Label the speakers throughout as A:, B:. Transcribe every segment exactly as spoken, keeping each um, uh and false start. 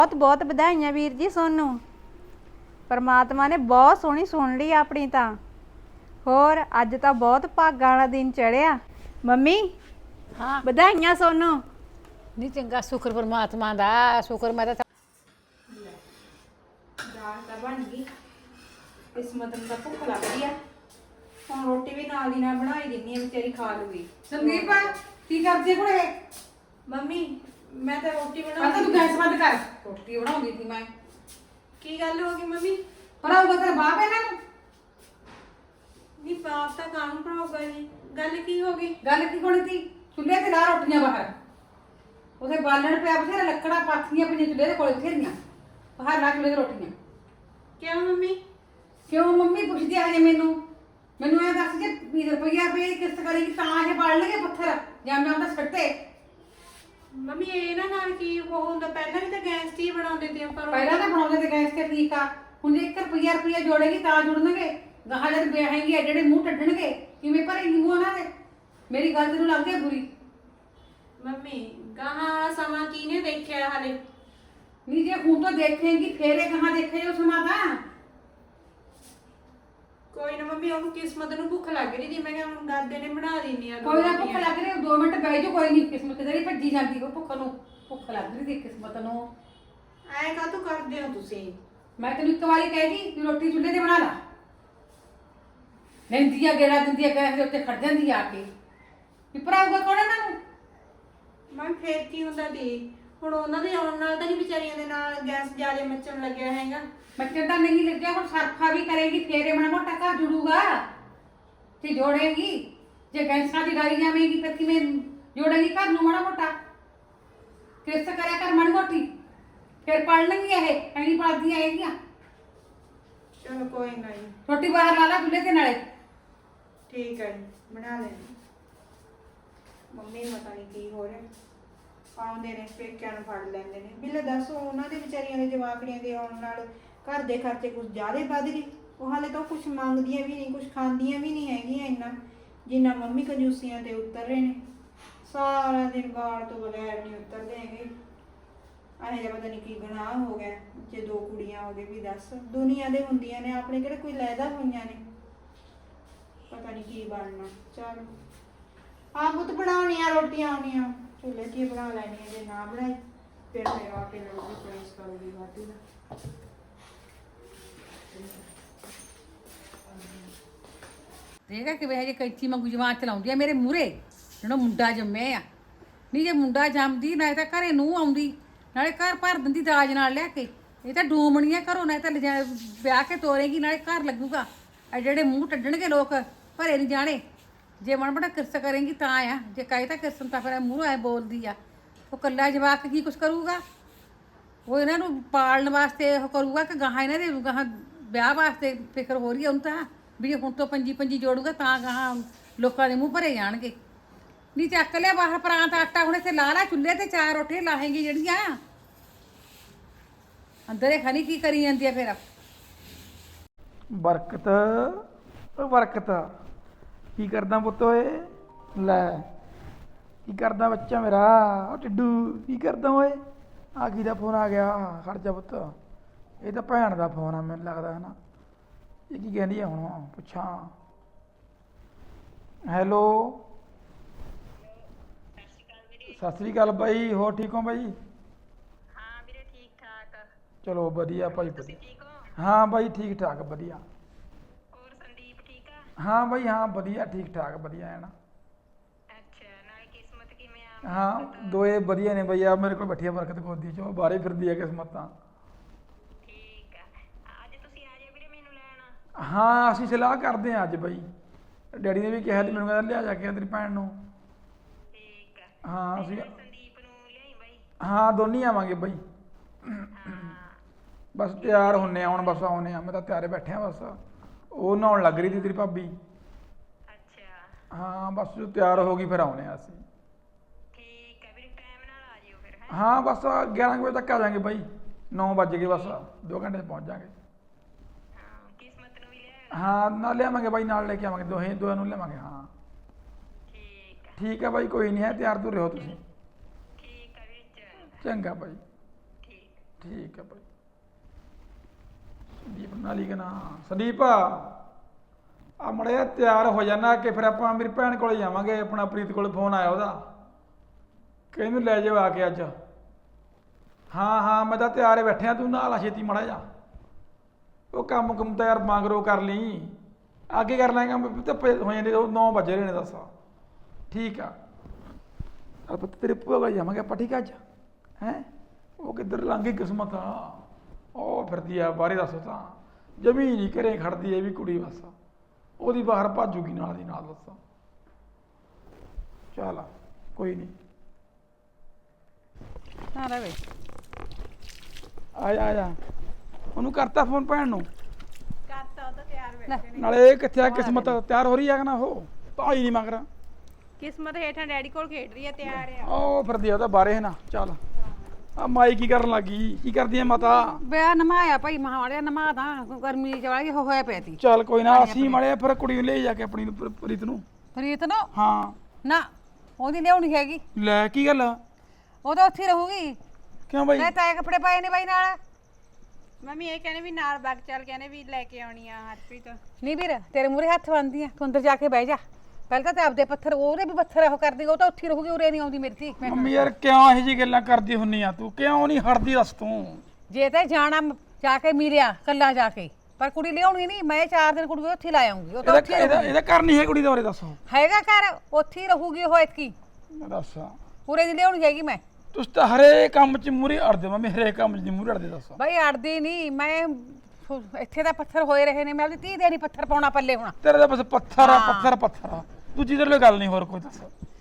A: ਬਹੁਤ ਬਹੁਤ ਵਧਾਈਆਂ ਵੀਰ ਜੀ ਸੋਨੂੰ। ਪਰਮਾਤਮਾ ਨੇ ਬਹੁਤ ਸੋਹਣੀ ਸੁਣ ਲਈ ਆਪਣੀ ਤਾਂ। ਹੋਰ ਅੱਜ ਤਾਂ ਬਹੁਤ ਭਾਗਾਂ ਵਾਲਾ ਦਿਨ ਚੜਿਆ। ਮੰਮੀ
B: ਹਾਂ
A: ਵਧਾਈਆਂ ਸੋਨੂੰ।
B: ਨਹੀਂ ਚੰਗਾ, ਸ਼ੁਕਰ ਪਰਮਾਤਮਾ ਦਾ। ਸ਼ੁਕਰ ਮੈਂ ਤਾਂ
A: ਦਾਲ ਤਾਂ ਬਣ ਗਈ, ਕਿਸਮਤ ਨੂੰ ਤਾਂ ਭੁੱਖ ਲੱਗਦੀ ਆ। ਹੁਣ ਰੋਟੀ ਵੀ ਨਾਲ ਦੀ ਨਾਲ ਬਣਾਈ ਦਿੰਨੀ ਆ, ਵਿਚਾਰੀ ਖਾ ਲੂਗੀ।
C: ਸੰਦੀਪ ਕੀ ਕਰਦੀ ਕੁੜੇ?
A: ਮੰਮੀ ਮੈਂ ਤਾਂ ਰੋਟੀ
C: ਪਤਾ
A: ਬਣਾ।
C: ਤੂੰ ਗੈਸ ਬੰਦ ਕਰ, ਰੋਟੀ ਬਣਾਉਂਦੀ ਸੀ ਮੈਂ।
A: ਕੀ ਗੱਲ ਹੋ ਗਈ ਮੰਮੀ?
C: ਭਰਾਊਗਾ ਤੇਰਾ ਬਾਪ ਇਹਨਾਂ ਨੂੰ?
A: ਨਹੀਂ ਬਾਪ ਤਾਂ ਕਾਹਨੂੰ ਭਰਾਊਗਾ ਜੀ, ਗੱਲ ਕੀ ਹੋ ਗਈ?
C: ਗੱਲ ਕੀ ਹੋਣੀ ਸੀ? ਚੁੱਲ੍ਹੇ ਤੇ ਲਾ ਰੋਟੀਆਂ ਬਾਹਰ, ਉਹਦੇ ਬਾਲਣ ਪਿਆ ਬਥੇਰਾ, ਲੱਕੜਾਂ ਪਾਥੀਆਂ ਪਈਆਂ ਚੁੱਲ੍ਹੇ ਦੇ ਕੋਲ ਬਥੇਰੀਆਂ, ਬਾਹਰ ਲਾ ਚੁੱਲ੍ਹੇ ਤੇ ਰੋਟੀਆਂ।
A: ਕਿਉਂ ਮੰਮੀ?
C: ਕਿਉਂ ਮੰਮੀ ਪੁੱਛਦੀ ਆ ਹਜੇ ਮੈਨੂੰ? ਮੈਨੂੰ ਇਹ ਦੱਸ ਜੇ ਵੀਹ ਰੁਪਈਆ ਰੁਪਏ ਕਿਸ਼ਤ ਕਰੇਗੀ ਤਾਂ ਇਹ ਬਾਲਣਗੇ ਪੱਥਰ, ਜਾਂ ਮੈਂ ਉਹਦਾ ਛੱਟੇ।
A: ਮੰਮੀ ਇਹਨਾਂ ਨਾਲ ਕੀ ਉਹ ਹੁੰਦਾ? ਪਹਿਲਾਂ ਵੀ ਤਾਂ ਗੈਸ 'ਤੇ ਹੀ ਬਣਾਉਂਦੇ ਤੇ ਆਪਾਂ ਰੋਟੀ।
C: ਪਹਿਲਾਂ ਤਾਂ ਬਣਾਉਂਦੇ ਤੇ ਗੈਸ ਤੇ ਠੀਕ ਆ, ਹੁਣ ਜੇ ਇੱਕ ਰੁਪਈਆ ਰੁਪਈਆ ਜੋੜੇਗੀ ਤਾਂ ਜੁੜਨਗੇ। ਗਾਹਾਂ ਜਦ ਵਿਆਹੇਂਗੀ ਐਡੇ ਮੂੰਹ ਟੱਟਣਗੇ, ਕਿਵੇਂ ਭਰੇਂਗੀ ਮੂੰਹ ਉਹਨਾਂ ਦੇ? ਮੇਰੀ ਗੱਲ ਤੈਨੂੰ ਲੱਗਦੀ ਬੁਰੀ?
A: ਮੰਮੀ ਗਾਹਾਂ ਵਾਲਾ ਸਮਾਂ ਕਿਹਨੇ ਦੇਖਿਆ ਹਾਲੇ?
C: ਨਹੀਂ ਜੇ ਹੁਣ ਤੋਂ ਦੇਖੇਂਗੀ ਫੇਰ ਇਹ ਕਹਾਂ ਦੇਖੇ ਜੋ ਸਮਾਂ ਤਾਂ।
A: ਕੋਈ ਨਾ ਮੰਮੀ, ਉਹਨੂੰ ਕਿਸਮਤ ਨੂੰ ਭੁੱਖ ਲੱਗ ਰਹੀ ਸੀ, ਮੈਂ ਕਿਹਾ ਹੁਣ ਦਾਦੇ ਨੇ ਬਣਾ ਦਿੰਨੀ ਆ।
C: ਕੋਈ ਨਾ ਭੁੱਖ ਲੱਗ ਰਹੀ, ਦੋ ਮਿੰਟ ਬਹਿ ਜਾ, ਕੋਈ ਨਹੀਂ। ਕਿਸਮਤ ਜਿਹੜੀ ਭੱਜੀ ਜਾਂਦੀ ਉਹ ਭੁੱਖ ਨੂੰ, ਭੁੱਖ ਲੱਗ ਰਹੀ ਸੀ ਕਿਸਮਤ ਨੂੰ।
A: ਐ ਕਾਹਤੋਂ ਕਰਦੇ ਹੋ ਤੁਸੀਂ?
C: ਮੈਂ ਤੈਨੂੰ ਇੱਕ ਵਾਰੀ ਕਹਿਗੀ ਕਿ ਰੋਟੀ ਚੁੱਲ੍ਹੇ ਤੇ ਬਣਾ ਲਾ, ਲੈਂਦੀ ਆ ਗੇੜਾ ਦਿੰਦੀ ਆ, ਗੈਸ ਦੇ ਉੱਤੇ ਖੜ ਜਾਂਦੀ ਆ ਕੇ। ਵੀ ਭਰਾਊਗਾ ਕੌਣ ਇਹਨਾਂ ਨੂੰ?
A: ਮੈਂ ਫੇਰ ਕੀ ਹੁੰਦਾ ਦੀ, ਹੁਣ ਉਹਨਾਂ ਦੇ ਆਉਣ ਨਾਲ ਤਾਂ ਨਹੀਂ ਵਿਚਾਰੀਆਂ ਦੇ ਨਾਲ ਗੈਸ ਜ਼ਿਆਦਾ ਮੱਚਣ ਲੱਗਿਆ ਹੈਗਾ।
C: ਬੱਚੇ ਤਾਂ ਨਹੀਂ ਲੱਗਿਆ, ਹੁਣ ਸਰਫਾ ਵੀ ਕਰੇਗੀ ਫੇਰੇ ਬਣਾ ਮੋਟਾ ਘਰ ਜੁੜੂਗਾ ਤੇ ਜੋੜੇਗੀ। ਜੇ ਗੈਸਾਂ ਦੀ ਡਾਈ ਜਾਵੇਗੀ ਫਿਰ ਕਿਵੇਂ ਜੋੜੇਗੀ ਘਰ ਨੂੰ ਮਾੜਾ ਮੋਟਾ? ਕਿਸ ਕਰਿਆ ਕਰ ਮਾੜੀ ਮੋਟੀ, ਫਿਰ ਪੜ ਲੈਂਗੀ ਇਹ, ਐਨੀ ਪੜਦੀਆਂ ਹੈਗੀਆਂ।
A: ਚਲੋ ਕੋਈ ਨਾ ਜੀ,
C: ਰੋਟੀ ਬਾਹਰ ਲਾ ਲਾ ਚੁੱਲ੍ਹੇ ਤੇ ਨਾਲੇ।
A: ਠੀਕ ਹੈ ਜੀ, ਬਣਾ ਲੈਣੀ। ਮੰਮੀ ਨੂੰ ਪਤਾ ਨਹੀਂ ਕੀ ਹੋ ਰਿਹਾ, ਆਉਂਦੇ ਨੇ ਪੇਕਿਆਂ ਨੂੰ ਫੜ ਲੈਂਦੇ ਨੇ। ਬਿੱਲੇ ਦੱਸੋ, ਉਹਨਾਂ ਦੇ ਵਿਚਾਰੀਆਂ ਦੇ ਜਵਾਕੜੀਆਂ ਦੇ ਆਉਣ ਨਾਲ ਘਰ ਦੇ ਖਰਚੇ ਕੁਝ ਜ਼ਿਆਦਾ ਵੱਧ ਗਏ। ਉਹ ਹਾਲੇ ਤਾਂ ਕੁਝ ਮੰਗਦੀਆਂ ਵੀ ਨਹੀਂ, ਕੁਝ ਖਾਂਦੀਆਂ ਵੀ ਨਹੀਂ ਹੈਗੀਆਂ ਇੰਨਾ ਜਿੰਨਾ ਮੰਮੀ ਕੰਜੂਸੀਆਂ ਤੇ ਉਤਰ ਰਹੇ ਨੇ। ਸਾਰਾ ਦਿਨ ਗਾਲ ਤੋਂ ਬਗੈਰ ਨਹੀਂ ਉਤਰਦੇ ਹੈਗੇ। ਇਹੋ ਜਿਹਾ ਪਤਾ ਨਹੀਂ ਕੀ ਗੁਨਾਹ ਹੋ ਗਿਆ ਜੇ ਦੋ ਕੁੜੀਆਂ ਹੋ ਗਏ। ਵੀ ਦੱਸ, ਦੁਨੀਆ ਦੇ ਹੁੰਦੀਆਂ ਨੇ, ਆਪਣੇ ਕਿਹੜੇ ਕੋਈ ਲੈਦਾ ਹੋਈਆਂ ਨੇ। ਪਤਾ ਨਹੀਂ ਕੀ ਬਣਨਾ। ਚਲ ਆਪ ਬੁੱਤ ਬਣਾਉਣੀਆਂ ਰੋਟੀਆਂ ਆਉਣੀਆਂ, ਚੁੱਲ੍ਹੇ 'ਚ ਹੀ ਬਣਾ ਲੈਣੀਆਂ। ਜੇ ਨਾ ਬਣਾਈ ਫਿਰ ਫਿਰ ਆ ਕੇ ਲੜੂਗੀ, ਪੁਲਿਸ ਕਰੂਗੀ ਵਾਧੂ ਦਾ।
C: ਦੇਖਾ ਕਿ ਵੇ ਜੇ ਕੈਂਚੀ ਵਾਂਗੂ ਜਵਾਨ ਚਲਾਉਂਦੀ ਆ ਮੇਰੇ ਮੂਹਰੇ, ਜਿਹੜਾ ਮੁੰਡਾ ਜੰਮਿਆ ਆ। ਨਹੀਂ ਜੇ ਮੁੰਡਾ ਜੰਮਦੀ ਨਾਲੇ ਤਾਂ ਘਰੇ ਨੂੰ ਆਉਂਦੀ, ਨਾਲੇ ਘਰ ਭਰ ਦਿੰਦੀ ਦਾਜ ਨਾਲ ਲਿਆ ਕੇ। ਇਹ ਤਾਂ ਡੂਮਣੀਆਂ ਘਰੋਂ, ਨਾ ਤਾਂ ਲਿਜਾ ਵਿਆਹ ਕੇ ਤੋਰੇਗੀ ਨਾਲੇ ਘਰ ਲੱਗੂਗਾ। ਆ ਜਿਹੜੇ ਮੂੰਹ ਟੱਡਣਗੇ ਲੋਕ, ਭਰੇ ਨਹੀਂ ਜਾਣੇ। ਜੇ ਮਨ ਬੜਾ ਕਿਰਤ ਕਰੇਗੀ ਤਾਂ ਆ, ਜੇ ਕਹੇ ਤਾਂ ਕਿਰਤਨ ਤਾਂ ਫਿਰ ਮੂਹਰੋਂ ਐ ਬੋਲਦੀ ਆ। ਉਹ ਕੱਲਾ ਜਵਾਕ ਕੀ ਕੁਛ ਕਰੂਗਾ? ਉਹ ਇਹਨਾਂ ਨੂੰ ਪਾਲਣ ਵਾਸਤੇ ਉਹ ਕਰੂਗਾ ਕਿ ਗਾਹਾਂ ਇਹਨਾਂ ਦੇ ਗਾਹਾਂ ਵਿਆਹ ਵਾਸਤੇ ਫਿਕਰ ਹੋ ਰਹੀ ਹੈ ਉਹਨੂੰ ਤਾਂ, ਵੀ ਜੇ ਹੁਣ ਤੋਂ ਪੰਜੀ ਪੰਜੀ ਜੋੜੂਗਾ ਤਾਂ ਗਾਹਾਂ ਲੋਕਾਂ ਦੇ ਮੂੰਹ ਭਰੇ ਜਾਣਗੇ। ਨਹੀਂ ਚੱਕ ਲਿਆ ਬਾਹਰ ਪਰਾਂਤ ਆਟਾ, ਹੁਣ ਇੱਥੇ ਲਾ ਲਾ ਚੁੱਲ੍ਹੇ ਤੇ ਚਾਰ ਰੋਟੀਆਂ ਲਾਹੇਂਗੀ ਜਿਹੜੀਆਂ। ਅੰਦਰ ਇਹ ਖਣੀ ਕੀ ਕਰੀ ਜਾਂਦੀ ਆ ਫਿਰ?
D: ਬਰਕਤ ਓ ਬਰਕਤ, ਕੀ ਕਰਦਾ ਪੁੱਤ ਓਏ? ਲੈ ਕੀ ਕਰਦਾ ਬੱਚਾ ਮੇਰਾ? ਓ ਟਿੱਡੂ ਕੀ ਕਰਦਾ ਓਏ? ਆ ਕੀ ਦਾ ਫੋਨ ਆ ਗਿਆ? ਖੜ ਜਾ ਪੁੱਤ, ਇਹ ਤਾਂ ਭੈਣ ਦਾ ਫੋਨ ਆ ਮੈਨੂੰ ਲੱਗਦਾ ਹੈ ਨਾ। ਇਹ ਕੀ ਕਹਿੰਦੀ ਆ ਹੁਣ, ਪੁੱਛਾਂ। ਹੈਲੋ, ਸਤਿ ਸ੍ਰੀ ਅਕਾਲ ਬਾਈ, ਹੋਰ ਠੀਕ ਹੋ ਬਾਈ?
E: ਹਾਂ ਵੀਰੇ, ਠੀਕ ਠਾਕ।
D: ਚਲੋ ਵਧੀਆ ਭਾਈ,
E: ਤੁਸੀਂ
D: ਵਧੀਆ।
E: ਠੀਕ ਹੋ?
D: ਹਾਂ ਬਾਈ ਠੀਕ ਠਾਕ ਵਧੀਆ।
E: ਹੋਰ ਸੰਦੀਪ ਠੀਕ ਆ?
D: ਹਾਂ ਬਾਈ ਹਾਂ ਵਧੀਆ, ਠੀਕ ਠਾਕ ਵਧੀਆ ਹੈ ਨਾ।
E: ਅੱਛਾ, ਨਾਲੇ ਕਿਸਮਤ ਕਿਵੇਂ ਆ?
D: ਹਾਂ ਦੋਏ ਵਧੀਆ ਨੇ ਬਈ। ਆ ਮੇਰੇ ਕੋਲ ਬੈਠੀ ਆ ਬਰਕਤ ਗੋਦੀ 'ਚ, ਉਹ ਬਾਹਰੇ ਫਿਰਦੀ ਆ ਕਿਸਮਤਾਂ।
E: ਠੀਕ ਆ, ਅੱਜ ਤੁਸੀਂ ਆ ਜਾਓ ਵੀਰੇ ਮੈਨੂੰ ਲੈਣ।
D: ਹਾਂ ਅਸੀਂ ਸਲਾਹ ਕਰਦੇ ਹਾਂ ਅੱਜ ਬਈ। ਡੈਡੀ ਨੇ ਵੀ ਕਿਹਾ ਸੀ ਮੈਨੂੰ, ਕਹਿੰਦਾ ਲਿਆ ਜਾ ਕੇ ਤੇਰੀ ਭੈਣ ਨੂੰ।
E: ਠੀਕ ਆ,
D: ਹਾਂ
E: ਤੇ
D: ਅਸੀਂ,
E: ਨਾਲੇ ਸੰਦੀਪ ਨੂੰ ਲਿਆਈ ਬਾਈ।
D: ਹਾਂ ਦੋਨੇ ਆਵਾਂਗੇ ਬਈ।
E: ਹਾਂ
D: ਬਸ ਤਿਆਰ ਹੁੰਨੇ ਆ ਹੁਣ, ਬਸ ਆਉਨੇ ਆ। ਮੈਂ ਤਾਂ ਤਿਆਰੇ ਬੈਠੇ ਆ ਬਸ। ਉਹ ਨਹਾਉਣ ਲੱਗ ਰਹੀ ਸੀ ਤੇਰੀ ਭਾਬੀ।
E: ਅੱਛਾ
D: ਹਾਂ ਬਸ ਜੋ ਤਿਆਰ ਹੋ ਗਈ ਫਿਰ ਆਉਨੇ ਆ ਅਸੀਂ।
E: ਠੀਕ ਆ ਵੀਰੇ, ਟਾਈਮ ਨਾਲ ਆ ਜਿਓ ਫਿਰ। ਹੈ
D: ਹਾਂ ਬਸ ਗਿਆਰਾਂ ਕੁ ਵਜੇ ਤੱਕ ਆ ਜਾਵਾਂਗੇ ਬਾਈ। ਨੌ ਵੱਜ ਗਏ, ਬਸ ਦੋ ਘੰਟੇ 'ਚ ਪਹੁੰਚ ਜਾਵਾਂਗੇ।
E: ਹਾਂ, ਕਿਸਮਤ ਨੂੰ ਵੀ ਲਿਆਉਣਾ।
D: ਹਾਂ ਨਾਲ ਲਿਆਵਾਂਗੇ ਬਾਈ, ਨਾਲ ਲੈ ਕੇ ਆਵਾਂਗੇ, ਦੋਹੇ ਦੋਹਾਂ ਨੂੰ ਲਿਆਵਾਂਗੇ। ਹਾਂ
E: ਠੀਕ ਆ
D: ਠੀਕ ਹੈ ਬਾਈ, ਕੋਈ ਨਹੀਂ ਹੈ, ਤਿਆਰ ਤੁਰ ਰਹੋ ਤੁਸੀਂ।
E: ਠੀਕ ਆ ਵੀਰੇ, ਚੰਗਾ।
D: ਚੰਗਾ ਬਾਈ।
E: ਠੀਕ।
D: ਠੀਕ ਹੈ ਭਾਈ। ਸੰਦੀਪ ਨਾਲ ਹੀ ਕਹਣਾ ਸੰਦੀਪ ਆ ਮੜਿਆ ਤਿਆਰ ਹੋ ਜਾਣਾ ਕਿ ਫਿਰ ਆਪਾਂ ਮੇਰੀ ਭੈਣ ਕੋਲੇ ਜਾਵਾਂਗੇ। ਆਪਣਾ ਪ੍ਰੀਤ ਕੋਲ ਫੋਨ ਆਇਆ ਉਹਦਾ ਕਿ ਇਹਨੂੰ ਲੈ ਜਾਓ ਆ ਕੇ ਅੱਜ। ਹਾਂ ਹਾਂ ਮੈਂ ਤਾਂ ਤਿਆਰ ਹੀ ਬੈਠਿਆ, ਤੂੰ ਨਾਲ ਆ ਛੇਤੀ ਮੜਾ ਜਾ। ਉਹ ਕੰਮ ਕੁਮ ਤਾਂ ਯਾਰ ਮੰਗਰੋ ਕਰ ਲਈ, ਅੱਗੇ ਕਰ ਲਾਂਗਾ। ਧੁੱਪੇ ਹੋ ਜਾਂਦੇ ਨੌ ਵਜੇ ਰਹੇ ਨੇ ਦੱਸ। ਠੀਕ ਆ ਆਪਾਂ ਤੇਰੇ ਭੂਆ ਕੋਲ ਜਾਵਾਂਗੇ ਆਪਾਂ, ਠੀਕ ਆ ਅੱਜ ਹੈਂ। ਉਹ ਕਿੱਧਰ ਲੰਘ ਗਈ ਕਿਸਮਤ ਆ, ਉਹ ਫਿਰਦੀ ਆ ਬਾਹਰੇ ਦੱਸੋ ਤਾਂ ਜਮੀ ਨਹੀਂ ਘਰੇ ਖੜਦੀ ਹੈ ਵੀ ਕੁੜੀ ਬਸ ਉਹਦੀ ਬਾਹਰ ਭਾਜੂਗੀ ਨਾਲ ਦੀ ਨਾਲ ਦੱਸਾਂ। ਚੱਲ ਕੋਈ ਨਹੀਂ
C: ਨਾ ਰਵੇ
D: ਆ ਜਾ ਆ ਜਾ। ਉਹਨੂੰ ਕਰਤਾ ਫੋਨ ਭੈਣ ਨੂੰ?
A: ਕਰਤਾ ਉਹ ਤਾਂ ਤਿਆਰ ਬੈਠੇ ਨੇ।
D: ਨਾਲੇ ਇਹ ਕਿੱਥੇ ਆ ਕਿਸਮਤ ਤਿਆਰ ਹੋ ਰਹੀ ਆ ਕਿ ਨਾ? ਉਹ ਭਾਈ ਨਹੀਂ ਮੰਗ ਰਿਹਾ
A: ਕਿਸਮਤ ਹੇਠਾਂ ਡੈਡੀ ਕੋਲ ਖੇਡ ਰਹੀ ਹੈ, ਤਿਆਰ ਆ।
D: ਉਹ ਫਿਰਦੀ ਆ ਉਹਦਾ ਬਾਹਰੇ ਹੈ ਨਾ। ਚੱਲ ਆ ਮਾਈ ਕੀ ਕਰਨ ਲੱਗੀ? ਕੀ ਕਰਦੀ ਐ ਮਾਤਾ?
C: ਬਿਆ ਨਮਾਇਆ ਭਾਈ ਮਹਾੜਿਆ ਨਮਾਦਾ ਗਰਮੀ ਚ ਵਾਲੀ ਹੋਇਆ ਪਿਆ ਤੀ।
D: ਚੱਲ ਕੋਈ ਨਾ ਅਸੀਂ ਮੜੇ ਫਿਰ ਕੁੜੀ ਨੂੰ ਲੈ ਜਾ ਕੇ ਆਪਣੀ ਨੂੰ ਪ੍ਰ- ਪ੍ਰੀਤ ਨੂੰ।
C: ਪ੍ਰੀਤ ਨੂੰ
D: ਹਾਂ
C: ਨਾ ਉਹਦੀ ਲਿਆਉਣੀ ਹੈਗੀ,
D: ਲੈ ਕੀ ਗੱਲ?
C: ਉਹ ਤਾਂ ਉੱਥੇ ਰਹੂਗੀ।
D: ਕਿਉਂ ਬਾਈ?
C: ਮੈਂ ਤਾਂ ਕੱਪੜੇ ਪਾਏ ਨੇ ਬਾਈ ਨਾਲ।
A: ਮੰਮੀ ਇਹ ਕਹਿੰਦੇ ਵੀ ਨਾਲ ਬਾਗ ਚੱਲ ਕਹਿੰਦੇ ਵੀ ਲੈ ਕੇ ਆਉਣੀ ਆ ਹਰਪ੍ਰੀਤ।
C: ਨਹੀਂ ਵੀਰ ਤੇਰੇ ਮੂਰੇ ਹੱਥ ਬੰਨਦੀ ਆ, ਤੂੰ ਅੰਦਰ ਜਾ ਕੇ ਬਹਿ ਜਾ। ਪਹਿਲਾਂ ਤਾਂ ਤੇ ਆਪਦੇ ਪੱਥਰ ਉਹਦੇ ਵੀ ਪੱਥਰ ਉਹ ਕਰਦੀ, ਉਹ ਤਾਂ ਉੱਥੇ ਰਹੂਗੀ, ਉਰੇ ਨਹੀਂ ਆਉਂਦੀ ਮੇਰੀ ਧੀ।
D: ਮੰਮੀ ਯਾਰ ਕਿਉਂ ਇਹੋ ਜਿਹੀ ਗੱਲਾਂ ਕਰਦੀ ਹੁੰਨੀ ਆ ਤੂੰ? ਕਿਉਂ ਨਹੀਂ ਹਟਦੀ ਦੱਸ ਤੂੰ?
C: ਜੇ ਤੇ ਜਾਣਾ ਮ- ਜਾ ਕੇ ਮਿਲਿਆ ਕੱਲਾ ਜਾ ਕੇ, ਪਰ ਕੁੜੀ ਲਿਆਉਣੀ ਨਹੀਂ। ਮੈਂ ਚਾਰ ਦਿਨ ਕੁੜੀ ਉੱਥੇ ਲਾ ਆਉਂਗੀ। ਉਹ ਤਾਂ
D: ਇਹਦਾ
C: ਉੱਥੇ ਹੀ
D: ਇਹਦਾ
C: ਰਹੂਗੀ।
D: ਇਹਦਾ ਘਰ ਨਹੀਂ ਹੈ ਕੁੜੀ ਦਾ ਉਰੇ ਦੱਸੋ।
C: ਹੈਗਾ ਘਰ, ਉੱਥੇ ਹੀ ਰਹੂਗੀ ਉਹ ਇਤਕੀ।
D: ਦੱਸ
C: ਪੂਰੇ ਦੀ ਲਿਆਉਣੀ ਹੈਗੀ ਮੈਂ।
D: ਤੁਸੀਂ ਤਾਂ ਹਰੇ ਕੰਮ 'ਚ ਮੂਰੇ ਅੜਦੇ ਮੰਮੀ, ਹਰੇ ਕੰਮ 'ਚ ਨਹੀਂ ਮੂਰੇ ਅੜਦੇ ਦੱਸ।
C: ਬਾਈ ਅੜਦੀ ਨਹੀਂ ਮੈਂ, ਸੁ- ਇੱਥੇ ਦਾ ਪੱਥਰ ਹੋਏ ਰਹੇ ਨੇ, ਮੈਂ ਆਪਣੀ ਧੀ ਦੇ ਨਹੀਂ ਪੱਥਰ ਪਾਉਣਾ ਪੱਲੇ ਹੁਣ।
D: ਤੇਰੇ ਤਾਂ ਬਸ ਪੱਥਰ ਆ
C: ਹਾਂ।
D: ਪੱਥਰ ਪੱਥਰ ਆ, ਦੂਜੀ ਤੇਰੇ ਲਈ ਗੱਲ ਨਹੀਂ ਹੋਰ ਕੋਈ ਦੱਸ।